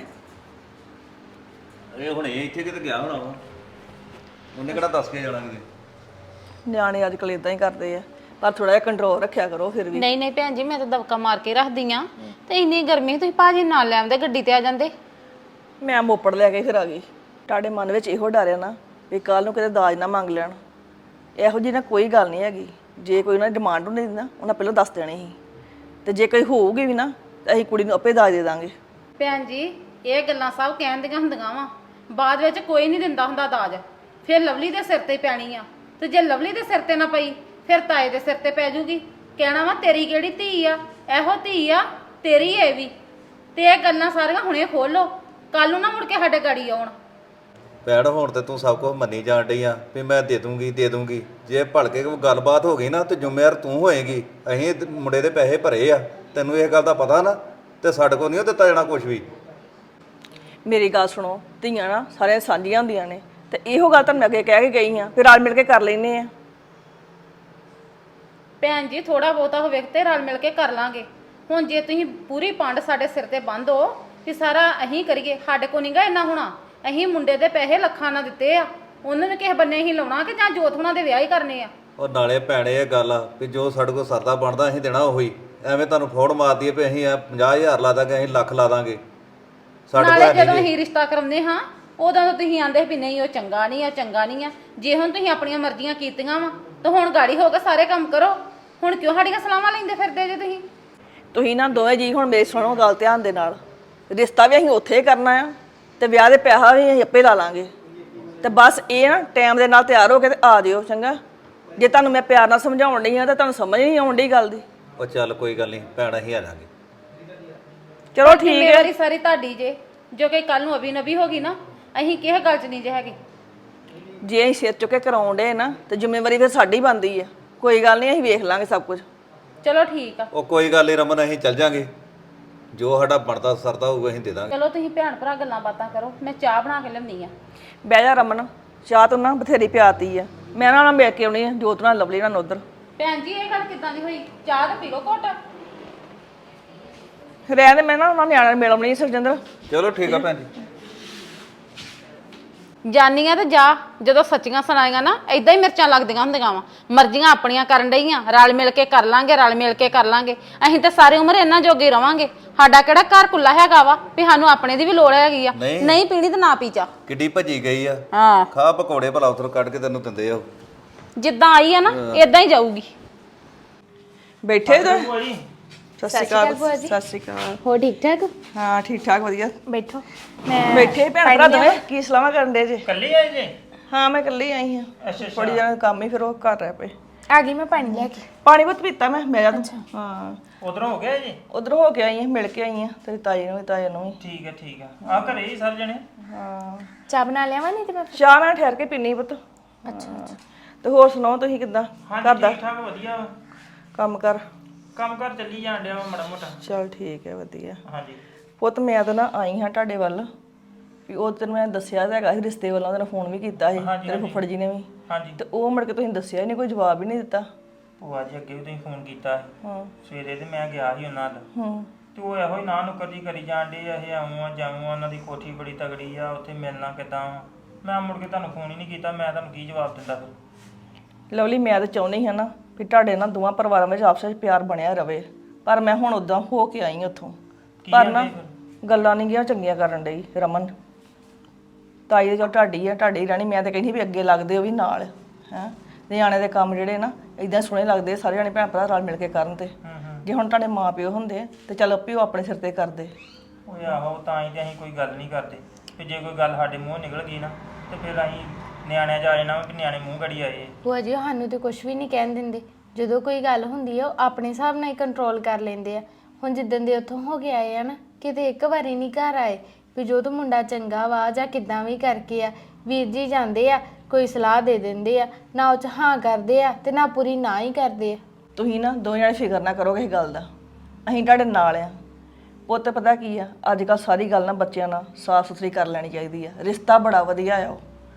F: ਇਹ ਹੁਣ ਇਹ ਇੱਥੇ ਕਿਤੇ ਗਿਆ ਹੋਣਾ ਵਾ, ਉਹਨੇ ਕਿਹੜਾ ਦੱਸ ਕੇ ਜਾਣਾ ਕਿਤੇ।
E: ਨਿਆਣੇ ਅੱਜ ਕੱਲ੍ਹ ਇਦਾਂ ਹੀ ਕਰਦੇ ਆ, ਪਰ ਥੋੜਾ ਜਿਹਾ ਕੰਟਰੋਲ ਰੱਖਿਆ ਕਰੋ ਫਿਰ ਵੀ।
D: ਨਹੀਂ ਨਹੀਂ ਭੈਣ ਜੀ, ਮੈਂ ਤਾਂ ਦਬਕਾ ਮਾਰ ਕੇ ਰੱਖਦੀ ਆ। ਤੇ ਇੰਨੀ ਗਰਮੀ ਤੁਸੀਂ ਭਾਜੀ ਨਾਲ ਲੈ ਆਉਂਦੇ, ਗੱਡੀ ਤੇ ਆ ਜਾਂਦੇ।
E: ਮੈਂ ਮੋਪੜ ਲੈ ਕੇ ਫਿਰ ਆ ਗਈ। ਤੁਹਾਡੇ ਮਨ ਵਿੱਚ ਇਹੋ ਡਰ ਆ ਨਾ ਵੀ ਕੱਲ ਨੂੰ ਕਿਤੇ ਦਾਜ ਨਾ ਮੰਗ ਲੈਣ। ਇਹੋ ਜਿਹੀ ਨਾ ਕੋਈ ਗੱਲ ਨਹੀਂ ਹੈਗੀ। ਜੇ ਕੋਈ ਉਹਨਾਂ ਦੀ ਡਿਮਾਂਡ ਹੁੰਦੀ ਨਾ, ਉਹਨਾਂ ਪਹਿਲਾਂ ਦੱਸ ਦੇਣੀ ਸੀ। ਤੇ ਜੇ ਕੋਈ ਹੋਊਗੀ ਵੀ ਨਾ ਤਾਂ ਅਸੀਂ ਕੁੜੀ ਨੂੰ ਆਪੇ ਦਾਜ ਦੇ ਦਾਂਗੇ।
D: ਭੈਣ ਜੀ, ਇਹ ਗੱਲਾਂ ਸਭ ਕਹਿਣ ਦੀਆਂ ਹੁੰਦੀਆਂ ਵਾ, ਬਾਅਦ ਵਿੱਚ ਕੋਈ ਨਹੀਂ ਦਿੰਦਾ ਹੁੰਦਾ ਦਾਜ। ਫਿਰ ਲਵਲੀ ਦੇ ਸਿਰ ਤੇ ਪੈਣੀ ਆ, ਤੇ ਜੇ ਲਵਲੀ ਦੇ ਸਿਰ ਤੇ ਨਾ ਪਈ ਫਿਰ ਤਾਏ ਦੇ ਸਿਰ ਤੇ ਪੈ ਜੂਗੀ। ਕਹਿਣਾ ਵਾ ਤੇਰੀ ਕਿਹੜੀ ਧੀ ਆ, ਇਹੋ ਧੀ ਆ ਤੇਰੀ ਇਹ ਵੀ। ਤੇ ਇਹ ਗੱਲਾਂ ਸਾਰੀਆਂ ਹੁਣੇ ਖੋਲੋ, ਕੱਲ ਨੂੰ ਨਾ ਮੁੜ ਕੇ ਸਾਡੇ ਗਾੜੀ ਆਉਣ।
F: ਭੈਣ ਹੁਣ ਤੇ ਤੂੰ ਸਭ ਕੁਝ ਮੰਨੀ ਜਾਣ ਡਈ ਆ ਵੀ ਮੈਂ ਦੇ ਦੂੰਗੀ। ਜੇ ਭਲਕੇ ਕੋਈ ਗੱਲਬਾਤ ਹੋ ਗਈ ਨਾ ਤੇ ਜ਼ਿੰਮੇਵਾਰ ਤੂੰ ਹੋਏਗੀ। ਅਸੀਂ ਮੁੰਡੇ ਦੇ ਪੈਸੇ ਭਰੇ ਆ, ਤੈਨੂੰ ਇਹ ਗੱਲ ਦਾ ਪਤਾ ਨਾ, ਤੇ ਸਾਡੇ ਕੋਲ ਨਹੀਂ ਦਿੱਤਾ ਜਾਣਾ ਕੁਝ ਵੀ।
E: ਮੇਰੀ ਗੱਲ ਸੁਣੋ, ਧੀਆਂ ਨਾ ਸਾਰਿਆਂ ਸਾਂਝੀਆਂ ਹੁੰਦੀਆਂ ਨੇ। ਤੇ ਇਹੋ ਗੱਲ ਤੁਹਾਨੂੰ ਮੈਂ ਅੱਗੇ ਕਹਿ ਕੇ ਗਈ ਆ, ਫਿਰ ਰਲ ਮਿਲ ਕੇ ਕਰ ਲੈਨੇ ਆ।
D: ਭੈਣ ਜੀ, ਥੋੜਾ ਬਹੁਤਾ ਹੋਵੇ ਤੇ ਰਲ ਮਿਲ ਕੇ ਕਰ ਲਾਂਗੇ। ਹੁਣ ਜੇ ਤੁਸੀਂ ਪੂਰੀ ਪੰਡ ਸਾਡੇ ਸਿਰ ਤੇ ਬੰਦ ਹੋ ਕਿ ਸਾਰਾ ਅਸੀਂ ਕਰੀਏ, ਸਾਡੇ ਕੋ ਨਹੀਂਗਾ ਇੰਨਾ ਹੋਣਾ। ਅਸੀਂ ਮੁੰਡੇ ਦੇ ਪੈਸੇ ਲੱਖਾਂ ਨਾਲ ਦਿੱਤੇ ਆ, ਉਹਨਾਂ ਨੂੰ ਕਿਸੇ ਬੰਨੇ ਹੀ ਲਾਉਣਾ ਕਿ ਜਾਂ ਜੋਤ ਹੁਣਾਂ ਦੇ ਵਿਆਹ ਹੀ ਕਰਨੇ ਆ।
F: ਉਹ ਨਾਲੇ ਭੈਣੇ ਇਹ ਗੱਲ ਆ ਵੀ ਜੋ ਸਾਡੇ ਕੋਲ ਸਰਦਾ ਬਣਦਾ ਅਸੀਂ ਦੇਣਾ ਉਹੀ। ਐਵੇਂ ਤੁਹਾਨੂੰ ਫੋੜ ਮਾਰਦੀ ਹੈ ਵੀ ਅਸੀਂ 50,000 ਲਾ ਦਾਂਗੇ, ਅਸੀਂ ਲੱਖ ਲਾ ਦਾਂਗੇ। ਸਾਡੇ ਕੋਲ
D: ਨਾਲੇ
F: ਹੈ
D: ਜਦੋਂ
F: ਨਹੀਂ
D: ਅਸੀਂ ਰਿਸ਼ਤਾ ਕਰਾਉਂਦੇ ਹਾਂ ਉਦੋਂ ਤਾਂ ਤੁਸੀਂ ਆਂਦੇ ਵੀ ਨਹੀਂ ਉਹ ਚੰਗਾ ਨਹੀਂ ਆ ਚੰਗਾ ਨਹੀਂ ਆ। ਜੇ ਹੁਣ ਤੁਸੀਂ ਆਪਣੀਆਂ ਮਰਜ਼ੀਆਂ ਕੀਤੀਆਂ ਵਾ ਤਾਂ ਹੁਣ ਗਾੜੀ ਹੋ ਕੇ ਸਾਰੇ ਕੰਮ ਕਰੋ। ਹੁਣ ਕਿਉਂ ਸਾਡੀਆਂ ਸਲਾਹਾਂ ਲੈਂਦੇ ਫਿਰਦੇ ਜੇ ਤੁਸੀਂ?
E: ਤੁਸੀਂ ਨਾ ਦੋਵੇਂ ਜੀ ਹੁਣ ਮੇਰੀ ਸੁਣੋ ਗੱਲ ਧਿਆਨ ਦੇ ਨਾਲ। ਰਿਸ਼ਤਾ ਵੀ ਅਸੀਂ ਉੱਥੇ ਹੀ ਕਰਨਾ ਆ ਤੇ ਵਿਆਹ ਦੇ ਪੈਸਾ ਵੀ ਅਸੀਂ ਆਪੇ ਲਾ ਲਾਂਗੇ। ਤੇ ਬਸ ਇਹ ਨਾ ਟਾਈਮ ਦੇ ਨਾਲ ਤਿਆਰ ਹੋ ਕੇ ਤੇ ਆ ਜਿਓ, ਚੰਗਾ? ਜੇ ਤੁਹਾਨੂੰ ਮੈਂ ਪਿਆਰ ਨਾਲ ਸਮਝਾਉਣ ਡਈ ਆ ਤਾਂ ਤੁਹਾਨੂੰ ਸਮਝ ਨਹੀਂ ਆਉਣ ਡਈ ਗੱਲ ਦੀ।
F: ਉਹ ਚੱਲ ਕੋਈ ਗੱਲ ਨਹੀਂ ਭੈਣ, ਅਸੀਂ ਆ ਜਾਾਂਗੇ।
E: ਚਲੋ ਠੀਕ ਹੈ।
D: ਜ਼ਿੰਮੇਵਾਰੀ ਸਾਰੀ ਤੁਹਾਡੀ ਜੇ, ਜੋ ਕਿ ਕੱਲ ਨੂੰ ਅਭੀ ਨਬੀ ਹੋ ਗਈ ਨਾ ਅਸੀਂ ਕਿਸੇ ਗੱਲ 'ਚ ਨਹੀਂ ਜੇ ਹੈਗੇ।
E: ਜੇ ਅਸੀਂ ਸਿਰ ਚੁੱਕੇ ਕਰਾਉਣ ਡੇ ਨਾ ਤੇ ਜ਼ਿੰਮੇਵਾਰੀ ਫਿਰ ਸਾਡੀ ਬਣਦੀ ਆ। ਕੋਈ ਗੱਲ ਨਹੀਂ, ਅਸੀਂ ਵੇਖ ਲਾਂਗੇ ਸਭ ਕੁਝ।
D: ਚਲੋ ਠੀਕ ਆ।
F: ਉਹ ਕੋਈ ਗੱਲ ਨਹੀਂ ਰਮਨ, ਅਸੀਂ ਚੱਲ ਜਾਾਂਗੇ। ਜੋ ਸਾਡਾ ਬਣਦਾ ਸਰਦਾ ਹੋਊਗਾ ਅਸੀਂ ਦੇ ਦਾਂਗੇ।
D: ਚਲੋ ਤੁਸੀਂ ਭੈਣ ਭਰਾ ਗੱਲਾਂ ਬਾਤਾਂ ਕਰੋ, ਮੈਂ ਚਾਹ ਬਣਾ ਕੇ ਲਿਆਉਂਦੀ ਆ।
E: ਬਹਿ ਜਾ ਰਮਨ, ਚਾਹ ਤੂੰ ਨਾ ਬਥੇਰੀ ਪਿਆਤੀ ਆ। ਮੈਂ ਨਾ ਮਿਲ ਕੇ ਆਉਣੀ ਆ ਜੋਤ ਨਾਲ, ਲਵਲੀ ਨਾਲ ਉਧਰ।
D: ਭੈਣ ਜੀ ਇਹ ਗੱਲ ਕਿੱਦਾਂ ਦੀ ਹੋਈ? ਚਾਹ ਤਾਂ ਪੀ ਲਓ ਘੁੱਟ।
E: ਰਹਿਣ ਦੇ, ਮੈਂ ਨਾ ਉਹਨਾਂ ਨਿਆਣਿਆਂ ਨੂੰ ਮਿਲ ਆਉਣੀ ਸੁਖਜਿੰਦਰ।
F: ਚਲੋ ਠੀਕ ਆ ਭੈਣ ਜੀ।
D: ਜਾਨੀਆਂ ਤੇ ਜਾ, ਜਦੋਂ ਸੱਚੀਆਂ ਸੁਣਾਈਆਂ ਨਾ ਏਦਾਂ ਹੀ ਮਿਰਚਾਂ ਲੱਗਦੀਆਂ ਹੁੰਦੀਆਂ ਵਾ। ਮਰਜ਼ੀਆਂ ਆਪਣੀਆਂ ਕਰਨ ਡਈਆਂ, ਰਲ ਮਿਲ ਕੇ ਕਰ ਲਾਂਗੇ, ਰਲ ਮਿਲ ਕੇ ਕਰ ਲਾਂਗੇ। ਅਸੀਂ ਤਾਂ ਸਾਰੀ ਉਮਰ ਇਹਨਾਂ ਜੋਗੇ ਰਵਾਂਗੇ। ਸਾਡਾ ਕਿਹੜਾ ਘਰ ਕੁੱਲਾ ਹੈਗਾ ਵਾ ਵੀ ਸਾਨੂੰ ਆਪਣੇ ਦੀ ਵੀ ਲੋੜ ਹੈਗੀ ਆ? ਨਹੀਂ ਪੀਣੀ ਤਾਂ ਨਾ ਪੀ ਚਾ।
F: ਕਿੱਡੀ ਭੱਜੀ ਗਈ ਆ।
D: ਹਾਂ,
F: ਖਾ ਪਕੌੜੇ ਭਲਾ ਉਧਰ ਕੱਢ ਕੇ ਤੈਨੂੰ ਦਿੰਦੇ ਆ। ਜਿੱਦਾਂ
D: ਆਈ ਆ ਨਾ ਏਦਾਂ ਹੀ ਜਾਊਗੀ।
E: ਬੈਠੇ ਤੇ
A: ਭੂਆ ਜੀ
E: ਸਤਿ ਸ਼੍ਰੀ ਅਕਾਲ। ਸਤਿ ਸ਼੍ਰੀ ਅਕਾਲ।
H: ਹੋ ਠੀਕ ਠਾਕ?
E: ਹਾਂ ਠੀਕ ਠਾਕ ਵਧੀਆ।
H: ਬੈਠੋ। ਮੈਂ
E: ਬੈਠੇ ਭੈਣ ਭਰਾ ਦੋਵੇਂ ਕੀ ਸਲਾਹਾਂ ਕਰਨ ਦੇ ਜੇ?
A: ਇਕੱਲੇ ਆਏ ਜੇ?
E: ਹਾਂ ਮੈਂ ਇਕੱਲੀ ਆਈ ਹਾਂ।
A: ਅੱਛਾ
E: ਥੋੜੀ ਜਣਾ ਕੰਮ ਹੀ ਫਿਰ ਉਹ ਕਰ ਰਿਹਾ ਪਏ।
H: ਆ ਗਈ ਮੈਂ ਪਾਣੀ ਲੈ ਕੇ।
E: ਪਾਣੀ ਬਹੁਤ ਪੀਤਾ ਮੈਂ ਜਾ ਤੂੰ। ਹਾਂ
A: ਉਧਰੋਂ ਹੋ ਗਿਆ ਜੀ?
E: ਉਧਰ ਹੋ ਕੇ ਆਈ ਹਾਂ, ਮਿਲ ਕੇ ਆਈ ਹਾਂ ਤੇਰੀ ਤਾਈ ਨੂੰ ਵੀ ਤਾਏ ਨੂੰ ਵੀ।
A: ਠੀਕ ਹੈ ਠੀਕ ਹੈ। ਆ ਘਰੇ ਹੀ ਸਾਰੇ ਜਣੇ?
E: ਹਾਂ
H: ਚਾਹ ਬਣਾ ਲਿਆਵਾਂ ਨਹੀਂ ਤੇ ਮੈਂ
E: ਚਾਹ ਮੈਂ ਠਹਿਰ ਕੇ ਪੀਣੀ ਪੁੱਤ।
H: ਅੱਛਾ
E: ਤੇ ਹੋਰ ਸੁਣਾਓ ਤੁਸੀਂ ਕਿੱਦਾਂ ਘਰ ਦਾ
A: ਠੀਕ ਠਾਕ ਵਧੀਆ ਵਾ।
E: ਕੰਮ ਕਰ?
A: ਕੰਮ ਕਰ ਚੱਲੀ ਜਾਣ ਡਿਆ ਵਾ ਮਾੜਾ ਮੋਟਾ।
E: ਚਲ ਠੀਕ ਹੈ ਵਧੀਆ।
A: ਹਾਂਜੀ
E: ਪੁੱਤ ਮੈਂ ਤਾਂ ਨਾ ਆਈ ਹਾਂ ਤੁਹਾਡੇ ਵੱਲ ਵੀ ਉਹ ਤੈਨੂੰ ਮੈਂ ਦੱਸਿਆ ਤਾਂ ਹੈਗਾ ਸੀ ਰਿਸ਼ਤੇ ਵੱਲੋਂ, ਤੈਨੂੰ ਫੋਨ ਵੀ ਕੀਤਾ ਸੀ ਤੇਰੇ ਫੁੱਫੜ ਜੀ ਨੇ ਵੀ।
A: ਹਾਂਜੀ।
E: ਤੇ ਉਹ ਮੁੜ ਕੇ ਤੁਸੀਂ ਦੱਸਿਆ ਹੀ ਨਹੀਂ, ਕੋਈ ਜਵਾਬ ਹੀ ਨਹੀਂ ਦਿੱਤਾ।
A: ਭੂਆ ਜੀ ਅੱਗੇ ਵੀ ਤੁਸੀਂ ਫੋਨ ਕੀਤਾ ਸੀ
E: ਹਾਂ
A: ਸਵੇਰੇ ਤੇ ਮੈਂ ਗਿਆ ਸੀ ਉਹਨਾਂ ਦਾ।
E: ਹੂੰ
A: ਤੇ ਉਹ ਇਹੋ ਹੀ ਨਾ ਨੁੱਕਰ ਜੀ ਕਰੀ ਜਾਣ ਡੇ ਇਹ ਆਉਂ ਆ ਜਾਉਂ ਆ, ਉਹਨਾਂ ਦੀ ਕੋਠੀ ਬੜੀ ਤਗੜੀ ਆ, ਉੱਥੇ ਮਿਲਣਾ ਕਿੱਦਾਂ ਵਾ। ਮੈਂ ਮੁੜ ਕੇ ਤੁਹਾਨੂੰ ਫੋਨ ਹੀ ਨਹੀਂ ਕੀਤਾ, ਮੈਂ ਤੁਹਾਨੂੰ ਕੀ ਜਵਾਬ ਦਿੰਦਾ ਫਿਰ?
E: ਲਵਲੀ ਮੈਂ ਤਾਂ ਚਾਹੁੰਦੀ ਹਾਂ ਨਾ ਵੀ ਤੁਹਾਡੇ ਨਾਲ ਦੋਵਾਂ ਪਰਿਵਾਰਾਂ ਵਿੱਚ ਆਪਸ ਵਿੱਚ ਪਿਆਰ ਬਣਿਆ ਰਵੇ, ਪਰ ਮੈਂ ਹੁਣ ਉਦਾਂ ਹੋ ਕੇ ਆਈ ਉੱਥੋਂ। ਪਰ ਨਾ ਗੱਲਾਂ ਨਹੀਂ ਗਿਆ ਚੰਗੀਆਂ ਕਰਨ ਡਈ ਰਮਨ। ਤਾਈ ਦੇ ਚਲ ਤੁਹਾਡੀ ਆ, ਤੁਹਾਡੀ ਰਹਿਣੀ। ਮੈਂ ਤਾਂ ਕਹਿੰਦੀ ਵੀ ਅੱਗੇ ਲੱਗਦੇ ਉਹ ਵੀ ਨਾਲ ਹੈ। ਨਿਆਣੇ ਦੇ ਕੰਮ ਜਿਹੜੇ ਨਾ ਇਦਾਂ ਸੋਹਣੇ ਲੱਗਦੇ, ਸਾਰੇ ਜਾਣੇ ਭੈਣ ਭਰਾ ਰਲ ਮਿਲ ਕੇ ਕਰਨ। ਤੇ ਜੇ ਹੁਣ ਤੁਹਾਡੇ ਮਾਂ ਪਿਓ ਹੁੰਦੇ ਤੇ ਚੱਲ ਆਪੇ ਉਹ ਆਪਣੇ ਸਿਰ ਤੇ ਕਰਦੇ।
A: ਓਏ ਆਹੋ, ਤਾਂ ਹੀ ਤੇ ਅਸੀਂ ਕੋਈ ਗੱਲ ਨਹੀਂ ਕਰਦੇ ਕਿ ਜੇ ਕੋਈ ਗੱਲ ਸਾਡੇ ਮੂੰਹੋਂ ਨਿਕਲ ਗਈ ਨਾ ਤੇ ਫਿਰ ਅਸੀਂ ਨਿਆਣਿਆਂ 'ਚ ਆ ਜਾਣਾ ਕਿ ਨਿਆਣੇ ਮੂੰਹ ਗੜੀ ਆਏ।
H: ਭੂਆ ਜੀ ਸਾਨੂੰ ਤੇ ਕੁਝ ਵੀ ਨਹੀਂ ਕਹਿਣ ਦਿੰਦੇ। ਜਦੋਂ ਕੋਈ ਗੱਲ ਹੁੰਦੀ ਆ ਉਹ ਆਪਣੇ ਹਿਸਾਬ ਨਾਲ ਹੀ ਕੰਟਰੋਲ ਕਰ ਲੈਂਦੇ ਆ। ਹੁਣ ਜਿੱਦਣ ਦੇ ਉੱਥੋਂ ਹੋ ਕੇ ਆਏ ਆ ਨਾ, ਕਿਤੇ ਇੱਕ ਵਾਰੀ ਨਹੀਂ ਘਰ ਆਏ ਵੀ ਜੋ ਤੂੰ ਮੁੰਡਾ ਚੰਗਾ ਵਾ ਜਾਂ ਕਿੱਦਾਂ ਵੀ ਕਰਕੇ ਆ। ਵੀਰ ਜੀ ਜਾਂਦੇ ਆ, ਕੋਈ ਸਲਾਹ ਦੇ ਦਿੰਦੇ ਆ, ਨਾ ਉਹ 'ਚ ਹਾਂ ਕਰਦੇ ਆ ਤੇ ਨਾ ਪੂਰੀ ਨਾ ਹੀ ਕਰਦੇ ਆ।
E: ਤੁਸੀਂ ਨਾ ਦੋ ਜਣੇ ਫਿਕਰ ਨਾ ਕਰੋ ਕਿਸੇ ਗੱਲ ਦਾ, ਅਸੀਂ ਤੁਹਾਡੇ ਨਾਲ ਆ। ਪੁੱਤ ਪਤਾ ਕੀ ਆ, ਅੱਜ ਕੱਲ੍ਹ ਸਾਰੀ ਗੱਲ ਨਾ ਬੱਚਿਆਂ ਨਾਲ ਸਾਫ਼ ਸੁਥਰੀ ਕਰ ਲੈਣੀ ਚਾਹੀਦੀ ਆ। ਰਿਸ਼ਤਾ ਬੜਾ ਵਧੀਆ ਆ ਉਹ,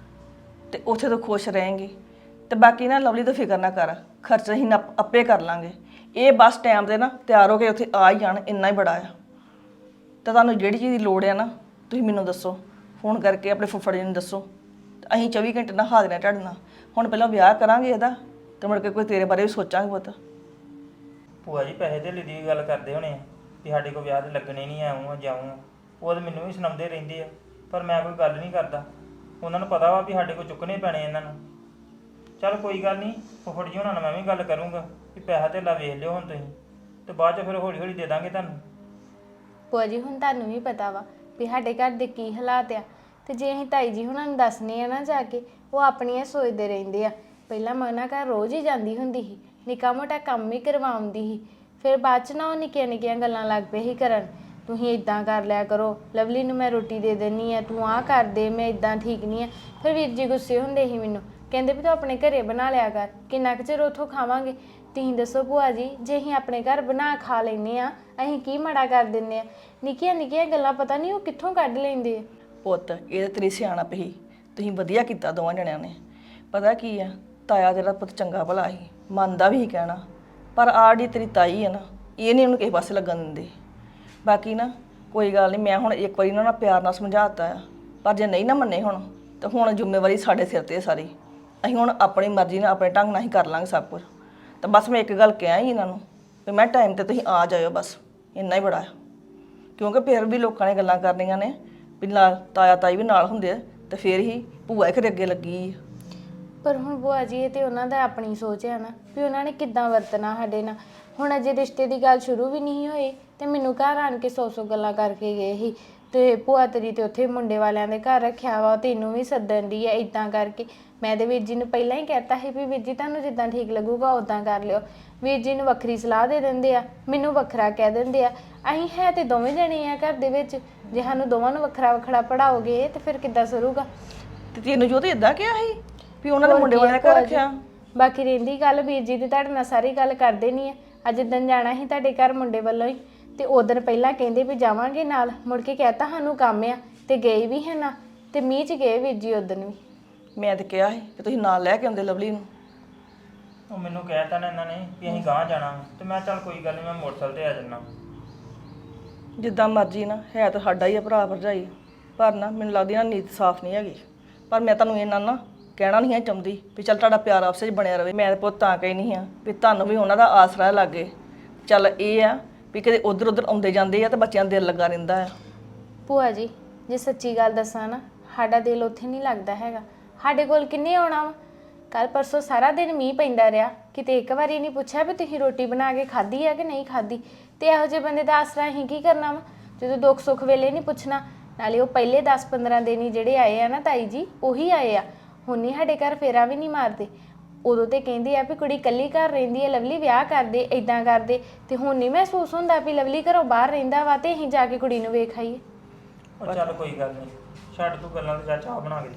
E: ਤੇ ਉੱਥੇ ਤੋਂ ਖੁਸ਼ ਰਹੇਂਗੀ। ਤੇ ਬਾਕੀ ਨਾ ਲਵਲੀ ਤੋਂ ਫਿਕਰ ਨਾ ਕਰ, ਖਰਚ ਅਸੀਂ ਨਾ ਆਪੇ ਕਰ ਲਾਂਗੇ। ਇਹ ਬਸ ਟਾਈਮ ਤੇ ਨਾ ਤਿਆਰ ਹੋ ਕੇ ਉੱਥੇ ਆ ਹੀ ਜਾਣ, ਇੰਨਾ ਹੀ ਬੜਾ ਆ। ਤਾਂ ਤੁਹਾਨੂੰ ਜਿਹੜੀ ਚੀਜ਼ ਦੀ ਲੋੜ ਆ ਨਾ ਤੁਸੀਂ ਮੈਨੂੰ ਦੱਸੋ, ਫੋਨ ਕਰਕੇ ਆਪਣੇ ਫੁੱਫੜ ਜੀ ਨੂੰ ਦੱਸੋ। ਅਸੀਂ 24 ਘੰਟੇ ਨਾਲ ਹਾਜ਼ਰ ਹਾਂ ਤੁਹਾਡੇ ਨਾਲ। ਹੁਣ ਪਹਿਲਾਂ ਵਿਆਹ ਕਰਾਂਗੇ ਇਹਦਾ, ਤੇ ਮੁੜ ਕੇ ਕੋਈ ਤੇਰੇ ਬਾਰੇ ਵੀ ਸੋਚਾਂਗੇ ਪੁੱਤ।
A: ਭੂਆ ਜੀ ਪੈਸੇ ਧੇਲੇ ਦੀ ਵੀ ਗੱਲ ਕਰਦੇ ਹੋਣੇ ਆ ਵੀ ਸਾਡੇ ਕੋਲ ਵਿਆਹ ਤੇ ਲੱਗਣੇ ਨਹੀਂ, ਆਉਂ ਆ ਜਾਉਂ ਆ। ਉਹ ਤਾਂ ਮੈਨੂੰ ਵੀ ਸੁਣਾਉਂਦੇ ਰਹਿੰਦੇ ਆ, ਪਰ ਮੈਂ ਕੋਈ ਗੱਲ ਨਹੀਂ ਕਰਦਾ। ਉਹਨਾਂ ਨੂੰ ਪਤਾ ਵਾ ਵੀ ਸਾਡੇ ਕੋਲ ਚੁੱਕਣੇ ਪੈਣੇ ਇਹਨਾਂ ਨੂੰ। ਚੱਲ ਕੋਈ ਗੱਲ ਨਹੀਂ, ਫੁੱਫੜ ਜੀ ਉਹਨਾਂ ਨਾਲ ਮੈਂ ਵੀ ਗੱਲ ਕਰੂੰਗਾ ਵੀ ਪੈਸਾ ਧੇਲਾ ਵੇਖ ਲਿਓ ਹੁਣ ਤੁਸੀਂ, ਤੇ ਬਾਅਦ 'ਚ ਫਿਰ ਹੌਲੀ ਹੌਲੀ ਦੇ ਦਾਂਗੇ ਤੁਹਾਨੂੰ।
H: ਭੂਆ ਜੀ ਹੁਣ ਤੁਹਾਨੂੰ ਵੀ ਪਤਾ ਵਾ ਵੀ ਸਾਡੇ ਘਰ ਦੇ ਕੀ ਹਾਲਾਤ ਆ, ਤੇ ਜੇ ਅਸੀਂ ਤਾਈ ਜੀ ਹੁਣਾਂ ਨੂੰ ਦੱਸਨੇ ਆ ਨਾ ਜਾ ਕੇ, ਉਹ ਆਪਣੀਆਂ ਸੋਚਦੇ ਰਹਿੰਦੇ ਆ। ਪਹਿਲਾਂ ਮੈਂ ਉਹਨਾਂ ਘਰ ਰੋਜ਼ ਹੀ ਜਾਂਦੀ ਹੁੰਦੀ ਸੀ, ਨਿੱਕਾ ਮੋਟਾ ਕੰਮ ਹੀ ਕਰਵਾਉਂਦੀ ਸੀ। ਫਿਰ ਬਾਅਦ 'ਚ ਨਾ ਉਹ ਨਿੱਕੀਆਂ ਨਿੱਕੀਆਂ ਗੱਲਾਂ ਲੱਗ ਪਏ ਸੀ ਕਰਨ, ਤੁਸੀਂ ਇਦਾਂ ਕਰ ਲਿਆ ਕਰੋ, ਲਵਲੀ ਨੂੰ ਮੈਂ ਰੋਟੀ ਦੇ ਦੇਣੀ ਆ, ਤੂੰ ਆਹ ਕਰ ਦੇ, ਮੈਂ ਇਦਾਂ ਠੀਕ ਨਹੀਂ ਆ। ਫਿਰ ਵੀਰ ਜੀ ਗੁੱਸੇ ਹੁੰਦੇ ਸੀ ਮੈਨੂੰ, ਕਹਿੰਦੇ ਵੀ ਤੂੰ ਆਪਣੇ ਘਰੇ ਬਣਾ ਲਿਆ ਕਰ, ਕਿੰਨਾ ਕੁ ਚਿਰ ਉੱਥੋਂ ਖਾਵਾਂਗੇ। ਤੁਸੀਂ ਦੱਸੋ ਭੂਆ ਜੀ, ਜੇ ਅਸੀਂ ਆਪਣੇ ਘਰ ਬਣਾ ਖਾ ਲੈਂਦੇ ਆ, ਅਸੀਂ ਕੀ ਮਾੜਾ ਕਰ ਦਿੰਦੇ ਆ? ਨਿੱਕੀਆਂ ਨਿੱਕੀਆਂ ਗੱਲਾਂ ਪਤਾ ਨਹੀਂ ਉਹ ਕਿੱਥੋਂ ਕੱਢ ਲੈਂਦੇ ਆ।
E: ਪੁੱਤ ਇਹ ਤੇਰੀ ਸਿਆਣਪ ਹੀ, ਤੁਸੀਂ ਵਧੀਆ ਕੀਤਾ ਦੋਵਾਂ ਜਣਿਆਂ ਨੇ। ਪਤਾ ਕੀ ਆ, ਤਾਇਆ ਤੇਰਾ ਪੁੱਤ ਚੰਗਾ ਭਲਾ ਸੀ, ਮੰਨਦਾ ਵੀ ਸੀ ਕਹਿਣਾ, ਪਰ ਆਹ ਜਿਹੜੀ ਤੇਰੀ ਤਾਈ ਆ ਨਾ, ਇਹ ਨਹੀਂ ਉਹਨੂੰ ਕਿਸੇ ਪਾਸੇ ਲੱਗਣ ਦਿੰਦੀ। ਬਾਕੀ ਨਾ ਕੋਈ ਗੱਲ ਨਹੀਂ, ਮੈਂ ਹੁਣ ਇੱਕ ਵਾਰੀ ਉਹਨਾਂ ਨਾਲ ਪਿਆਰ ਨਾਲ ਸਮਝਾਤਾ ਆ, ਪਰ ਜੇ ਨਹੀਂ ਨਾ ਮੰਨੇ ਹੁਣ ਤਾਂ ਹੁਣ ਜ਼ਿੰਮੇਵਾਰੀ ਸਾਡੇ ਸਿਰ ਤੇ ਸਾਰੀ। ਅਸੀਂ ਹੁਣ ਆਪਣੀ ਮਰਜ਼ੀ ਨਾਲ ਆਪਣੇ ਢੰਗ ਨਾਲ ਹੀ ਕਰ ਲਾਂਗੇ ਸਭ ਕੁਝ। ਤਾਂ ਬਸ ਮੈਂ ਇੱਕ ਗੱਲ ਕਿਹਾ ਹੀ ਇਹਨਾਂ ਨੂੰ ਵੀ ਮੈਂ ਟਾਈਮ ਤੇ ਤੁਸੀਂ ਆ ਜਾਇਓ ਬਸ, ਇੰਨਾ ਹੀ ਬੜਾ ਆ। ਕਿਉਂਕਿ ਫਿਰ ਵੀ ਲੋਕਾਂ ਨੇ ਗੱਲਾਂ ਕਰਨੀਆਂ ਨੇ ਵੀ ਨਾਲ ਤਾਇਆ ਤਾਈ ਵੀ ਨਾਲ ਹੁੰਦੇ ਆ ਤੇ ਫਿਰ ਹੀ ਭੂਆ ਹੀ ਅੱਗੇ ਲੱਗੀ ਆ।
H: ਪਰ ਹੁਣ ਭੂਆ ਜੀ ਇਹ ਤੇ ਉਹਨਾਂ ਦਾ ਆਪਣੀ ਸੋਚ ਹੈ ਨਾ ਵੀ ਉਹਨਾਂ ਨੇ ਕਿੱਦਾਂ ਵਰਤਣਾ ਸਾਡੇ ਨਾਲ। ਹੁਣ ਅਜੇ ਰਿਸ਼ਤੇ ਦੀ ਗੱਲ ਸ਼ੁਰੂ ਵੀ ਨਹੀਂ ਹੋਈ ਤੇ ਮੈਨੂੰ ਘਰ ਆਣ ਕੇ 100 ਗੱਲਾਂ ਕਰਕੇ ਗਏ ਸੀ ਤੇ ਭੂਆ ਤੇਰੀ ਤੇ ਉੱਥੇ ਮੁੰਡੇ ਵਾਲਿਆਂ ਦੇ ਘਰ ਰੱਖਿਆ ਵਾ, ਤੈਨੂੰ ਵੀ ਸੱਦਣ ਦੀ ਆ ਇਦਾਂ ਕਰਕੇ। ਮੈਂ ਤੇ ਵੀਰ ਜੀ ਨੂੰ ਪਹਿਲਾਂ ਹੀ ਕਹਿਤਾ ਸੀ ਵੀ ਵੀਰ ਜੀ ਤੁਹਾਨੂੰ ਜਿੱਦਾਂ ਠੀਕ ਲੱਗੂਗਾ ਉਦਾਂ ਕਰ ਲਿਓ। ਵੀਰ ਜੀ ਨੂੰ ਵੱਖਰੀ ਸਲਾਹ ਦੇ ਦਿੰਦੇ ਆ, ਮੈਨੂੰ ਵੱਖਰਾ ਕਹਿ ਦਿੰਦੇ ਆ। ਅਸੀਂ ਹੈ ਤੇ ਦੋਵੇਂ ਜਣੇ ਆ ਘਰ ਦੇ ਵਿੱਚ, ਜੇ ਸਾਨੂੰ ਦੋਵਾਂ ਨੂੰ ਵੱਖਰਾ ਵੱਖਰਾ ਪੜਾਓਗੇ ਤੇ ਫਿਰ ਕਿੱਦਾਂ ਸਰੂਗਾ।
E: ਤੇ ਤੈਨੂੰ ਜੋ ਤੇ ਇਦਾਂ ਕਿਹਾ ਸੀ ਵੀ ਉਹਨਾਂ ਨੇ ਮੁੰਡੇ ਵਾਲਿਆਂ ਦੇ ਘਰ ਰੱਖਿਆ।
H: ਬਾਕੀ ਰਹਿੰਦੀ ਗੱਲ ਵੀਰ ਜੀ ਦੀ ਤੁਹਾਡੇ ਨਾਲ ਸਾਰੀ ਗੱਲ ਕਰ ਦੇਣੀ ਆ। ਅੱਜ ਦਿਨ ਜਾਣਾ ਸੀ ਤੁਹਾਡੇ ਘਰ ਮੁੰਡੇ ਵੱਲੋਂ ਹੀ ਤੇ ਉਦੋਂ ਪਹਿਲਾਂ ਕਹਿੰਦੇ ਵੀ ਜਾਵਾਂਗੇ ਨਾਲ, ਮੁੜ ਕੇ ਕਹਿਤਾ ਸਾਨੂੰ ਕੰਮ ਆ ਤੇ ਗਏ ਵੀ ਹੈ ਨਾ ਤੇ ਮੀਂਹ 'ਚ ਗਏ ਵੀਰ ਜੀ ਉਦੋਂ ਵੀ।
E: ਮੈਂ ਤੇ ਕਿਹਾ ਸੀ ਕਿ ਤੁਸੀਂ ਨਾਲ ਲੈ ਕੇ ਆਉਂਦੇ ਲਵਲੀ ਨੂੰ।
A: ਉਹ ਮੈਨੂੰ ਕਹਿਤਾ ਨਾ ਇਹਨਾਂ ਨੇ ਵੀ ਅਸੀਂ ਗਾਂਹ ਜਾਣਾ ਤੇ ਮੈਂ ਚੱਲ ਕੋਈ ਗੱਲ ਨਹੀਂ ਮੈਂ ਮੋਟਰਸਾਈਕਲ ਤੇ ਆ ਜੰਨਾ।
E: ਜਿੱਦਾਂ ਮਰਜ਼ੀ ਨਾ, ਹੈ ਤਾਂ ਸਾਡਾ ਹੀ ਆ ਭਰਾ ਭਰਜਾਈ, ਪਰ ਨਾ ਮੈਨੂੰ ਲੱਗਦੀ ਨਾ ਨੀਤ ਸਾਫ਼ ਨਹੀਂ ਹੈਗੀ। ਪਰ ਮੈਂ ਤੁਹਾਨੂੰ ਇਹਨਾਂ ਨਾ ਕਹਿਣਾ ਨਹੀਂ ਹੈ ਚਾਹੁੰਦੀ ਵੀ ਚੱਲ ਤੁਹਾਡਾ ਪਿਆਰ ਆਪਸ ਵਿੱਚ ਬਣਿਆ ਰਵੇ। ਮੈਂ ਪੁੱਤ ਤਾਂ ਕਹੀ ਨਹੀਂ ਆ ਵੀ ਤੁਹਾਨੂੰ ਵੀ ਉਹਨਾਂ ਦਾ ਆਸਰਾ ਲੱਗੇ। ਚੱਲ ਇਹ ਆ ਵੀ ਕਦੇ ਉਧਰ ਉਧਰ ਆਉਂਦੇ ਜਾਂਦੇ ਆ ਤੇ ਬੱਚਿਆਂ ਦਾ ਦਿਲ ਲੱਗਾ ਰਹਿੰਦਾ ਆ।
H: ਭੂਆ ਜੀ ਜੇ ਸੱਚੀ ਗੱਲ ਦੱਸਾਂ ਨਾ, ਸਾਡਾ ਦਿਲ ਉੱਥੇ ਨਹੀਂ ਲੱਗਦਾ ਹੈਗਾ। ਸਾਡੇ ਕੋਲ ਕਿੰਨੇ ਆਉਣਾ ਵਾ। ਕੱਲ ਪਰਸੋਂ ਸਾਰਾ ਦਿਨ ਮੀਂਹ ਪੈਂਦਾ ਰਿਹਾ, ਕਿਤੇ ਇੱਕ ਵਾਰੀ ਨਹੀਂ ਪੁੱਛਿਆ ਵੀ ਤੁਸੀਂ ਰੋਟੀ ਬਣਾ ਕੇ ਖਾਧੀ ਆ ਕਿ ਨਹੀਂ ਖਾਧੀ। ਤੇ ਇਹੋ ਜਿਹੇ ਬੰਦੇ ਦਾ ਆਸਰਾ ਅਸੀਂ ਕੀ ਕਰਨਾ ਵਾ, ਜਦੋਂ ਦੁੱਖ ਸੁੱਖ ਵੇਲੇ ਨਹੀਂ ਪੁੱਛਣਾ। ਨਾਲੇ ਉਹ ਪਹਿਲੇ 10-15 ਦਿਨ ਹੀ ਜਿਹੜੇ ਆਏ ਆ ਨਾ ਤਾਈ ਜੀ, ਉਹੀ ਆਏ ਆ। ਹੁਣ ਨਹੀਂ ਸਾਡੇ ਘਰ ਫੇਰਾ ਵੀ ਨਹੀਂ ਮਾਰਦੇ। ਉਦੋਂ ਤੇ ਕਹਿੰਦੇ ਆ ਵੀ ਕੁੜੀ ਇਕੱਲੀ ਘਰ ਰਹਿੰਦੀ ਹੈ, ਲਵਲੀ ਵਿਆਹ ਕਰਦੇ ਇਦਾਂ ਕਰਦੇ। ਤੇ ਹੁਣ ਨਹੀਂ ਮਹਿਸੂਸ ਹੁੰਦਾ ਵੀ ਲਵਲੀ ਘਰੋਂ ਬਾਹਰ ਰਹਿੰਦਾ ਵਾ ਤੇ ਅਸੀਂ ਜਾ ਕੇ ਕੁੜੀ ਨੂੰ ਵੇਖ ਆਈਏ।
A: ਉਹ ਚੱਲ ਕੋਈ ਗੱਲ ਨਹੀਂ, ਛੱਡ ਤੂੰ ਗੱਲਾਂ ਤੇ ਜਾ ਚਾਹ ਬਣਾ ਕੇ ਲਿਆ।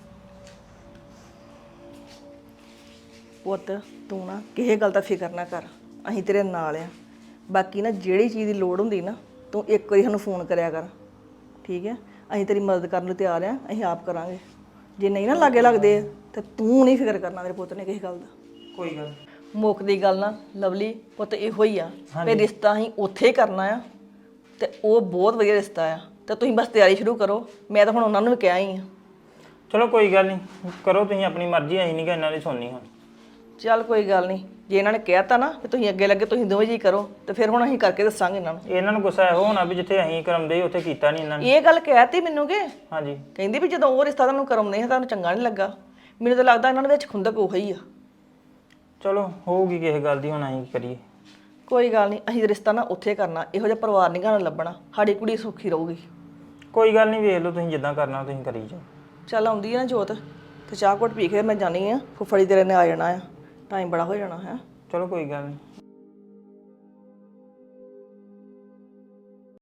E: ਪੁੱਤ ਤੂੰ ਨਾ ਕਿਸੇ ਗੱਲ ਦਾ ਫਿਕਰ ਨਾ ਕਰ, ਅਸੀਂ ਤੇਰੇ ਨਾਲ ਆ। ਬਾਕੀ ਨਾ ਜਿਹੜੀ ਚੀਜ਼ ਦੀ ਲੋੜ ਹੁੰਦੀ ਨਾ ਤੂੰ ਇੱਕ ਵਾਰੀ ਸਾਨੂੰ ਫੋਨ ਕਰਿਆ ਕਰ, ਠੀਕ ਹੈ। ਅਸੀਂ ਤੇਰੀ ਮਦਦ ਕਰਨ ਨੂੰ ਤਿਆਰ ਆ, ਅਸੀਂ ਆਪ ਕਰਾਂਗੇ। ਜੇ ਨਹੀਂ ਨਾ ਲਾਗੇ ਲੱਗਦੇ ਤੇ ਤੂੰ ਨਹੀਂ ਫਿਕਰ ਕਰਨਾ ਮੇਰੇ ਪੁੱਤ ਨੇ ਕਿਸੇ ਗੱਲ ਦਾ।
A: ਕੋਈ ਗੱਲ
E: ਮੁੱਕ ਦੀ ਗੱਲ ਨਾ ਲਵਲੀ ਪੁੱਤ ਇਹੋ ਹੀ ਆ ਵੀ ਰਿਸ਼ਤਾ ਅਸੀਂ ਉੱਥੇ ਹੀ ਕਰਨਾ ਆ ਤੇ ਉਹ ਬਹੁਤ ਵਧੀਆ ਰਿਸ਼ਤਾ ਆ ਤੇ ਤੁਸੀਂ ਬਸ ਤਿਆਰੀ ਸ਼ੁਰੂ ਕਰੋ। ਮੈਂ ਤਾਂ ਹੁਣ ਉਹਨਾਂ ਨੂੰ ਵੀ ਕਿਹਾ ਹੀ ਆ।
A: ਚਲੋ ਕੋਈ ਗੱਲ ਨਹੀਂ, ਕਰੋ ਤੁਸੀਂ ਆਪਣੀ ਮਰਜ਼ੀ, ਅਸੀਂ ਨਹੀਂ ਕਿ ਇਹਨਾਂ ਦੀ ਸੁਣਨੀ ਹੁਣ।
E: ਚੱਲ ਕੋਈ ਗੱਲ ਨਹੀਂ, ਜੇ ਇਹਨਾਂ ਨੇ ਕਹਿਤਾ ਨਾ ਕਿ ਤੁਸੀਂ ਅੱਗੇ ਲੱਗੇ ਤੁਸੀਂ ਦੋਵੇਂ ਜੀ ਕਰੋ ਤੇ ਫਿਰ ਹੁਣ ਅਸੀਂ ਕਰਕੇ ਦੱਸਾਂਗੇ ਇਹਨਾਂ ਨੂੰ।
A: ਇਹਨਾਂ ਨੂੰ ਗੁੱਸਾ ਇਹੋ ਹੋਣਾ ਵੀ ਜਿੱਥੇ ਅਸੀਂ ਕਰਾਉਂਦੇ ਉੱਥੇ ਕੀਤਾ ਨਹੀਂ ਇਹਨਾਂ ਨੇ।
E: ਇਹ ਗੱਲ ਕਹਿਤੀ ਮੈਨੂੰ ਕਿ
A: ਹਾਂਜੀ
E: ਕਹਿੰਦੀ ਵੀ ਜਦੋਂ ਉਹ ਰਿਸ਼ਤਾ ਤੁਹਾਨੂੰ ਕਰਾਉਂਦੇ ਆ ਤੁਹਾਨੂੰ ਚੰਗਾ ਨਹੀਂ ਲੱਗਾ। ਮੈਨੂੰ ਤਾਂ ਲੱਗਦਾ ਇਹਨਾਂ ਦੇ ਵਿੱਚ ਖੁੰਦਕ ਉਹੀ ਆ।
A: ਚਲੋ ਹੋਊਗੀ ਕਿਸੇ ਗੱਲ ਦੀ, ਹੁਣ ਅਸੀਂ ਕੀ ਕਰੀਏ।
E: ਕੋਈ ਗੱਲ ਨਹੀਂ, ਅਸੀਂ ਰਿਸ਼ਤਾ ਨਾ ਉੱਥੇ ਕਰਨਾ। ਇਹੋ ਜਿਹਾ ਪਰਿਵਾਰ ਨਹੀਂ ਘਰ ਲੱਭਣਾ, ਸਾਡੀ ਕੁੜੀ ਸੁਖੀ ਰਹੂਗੀ।
A: ਕੋਈ ਗੱਲ ਨਹੀਂ, ਵੇਖ ਲਓ ਤੁਸੀਂ ਜਿੱਦਾਂ ਕਰਨਾ ਤੁਸੀਂ ਕਰੀ ਜਾਓ।
E: ਚੱਲ ਆਉਂਦੀ ਆ ਨਾ ਜੋਤ ਤੇ ਚਾਹ ਘੁੱਟ ਪੀ ਕੇ ਮੈਂ ਜਾਣੀ ਆ। ਫੁੱਫੜੀ ਤੇਰੇ ਨੇ ਆ ਜਾਣਾ ਆ, ਟਾਈਮ ਬੜਾ ਹੋ ਜਾਣਾ ਹੈ।
A: ਚਲੋ ਕੋਈ ਗੱਲ ਨਹੀਂ,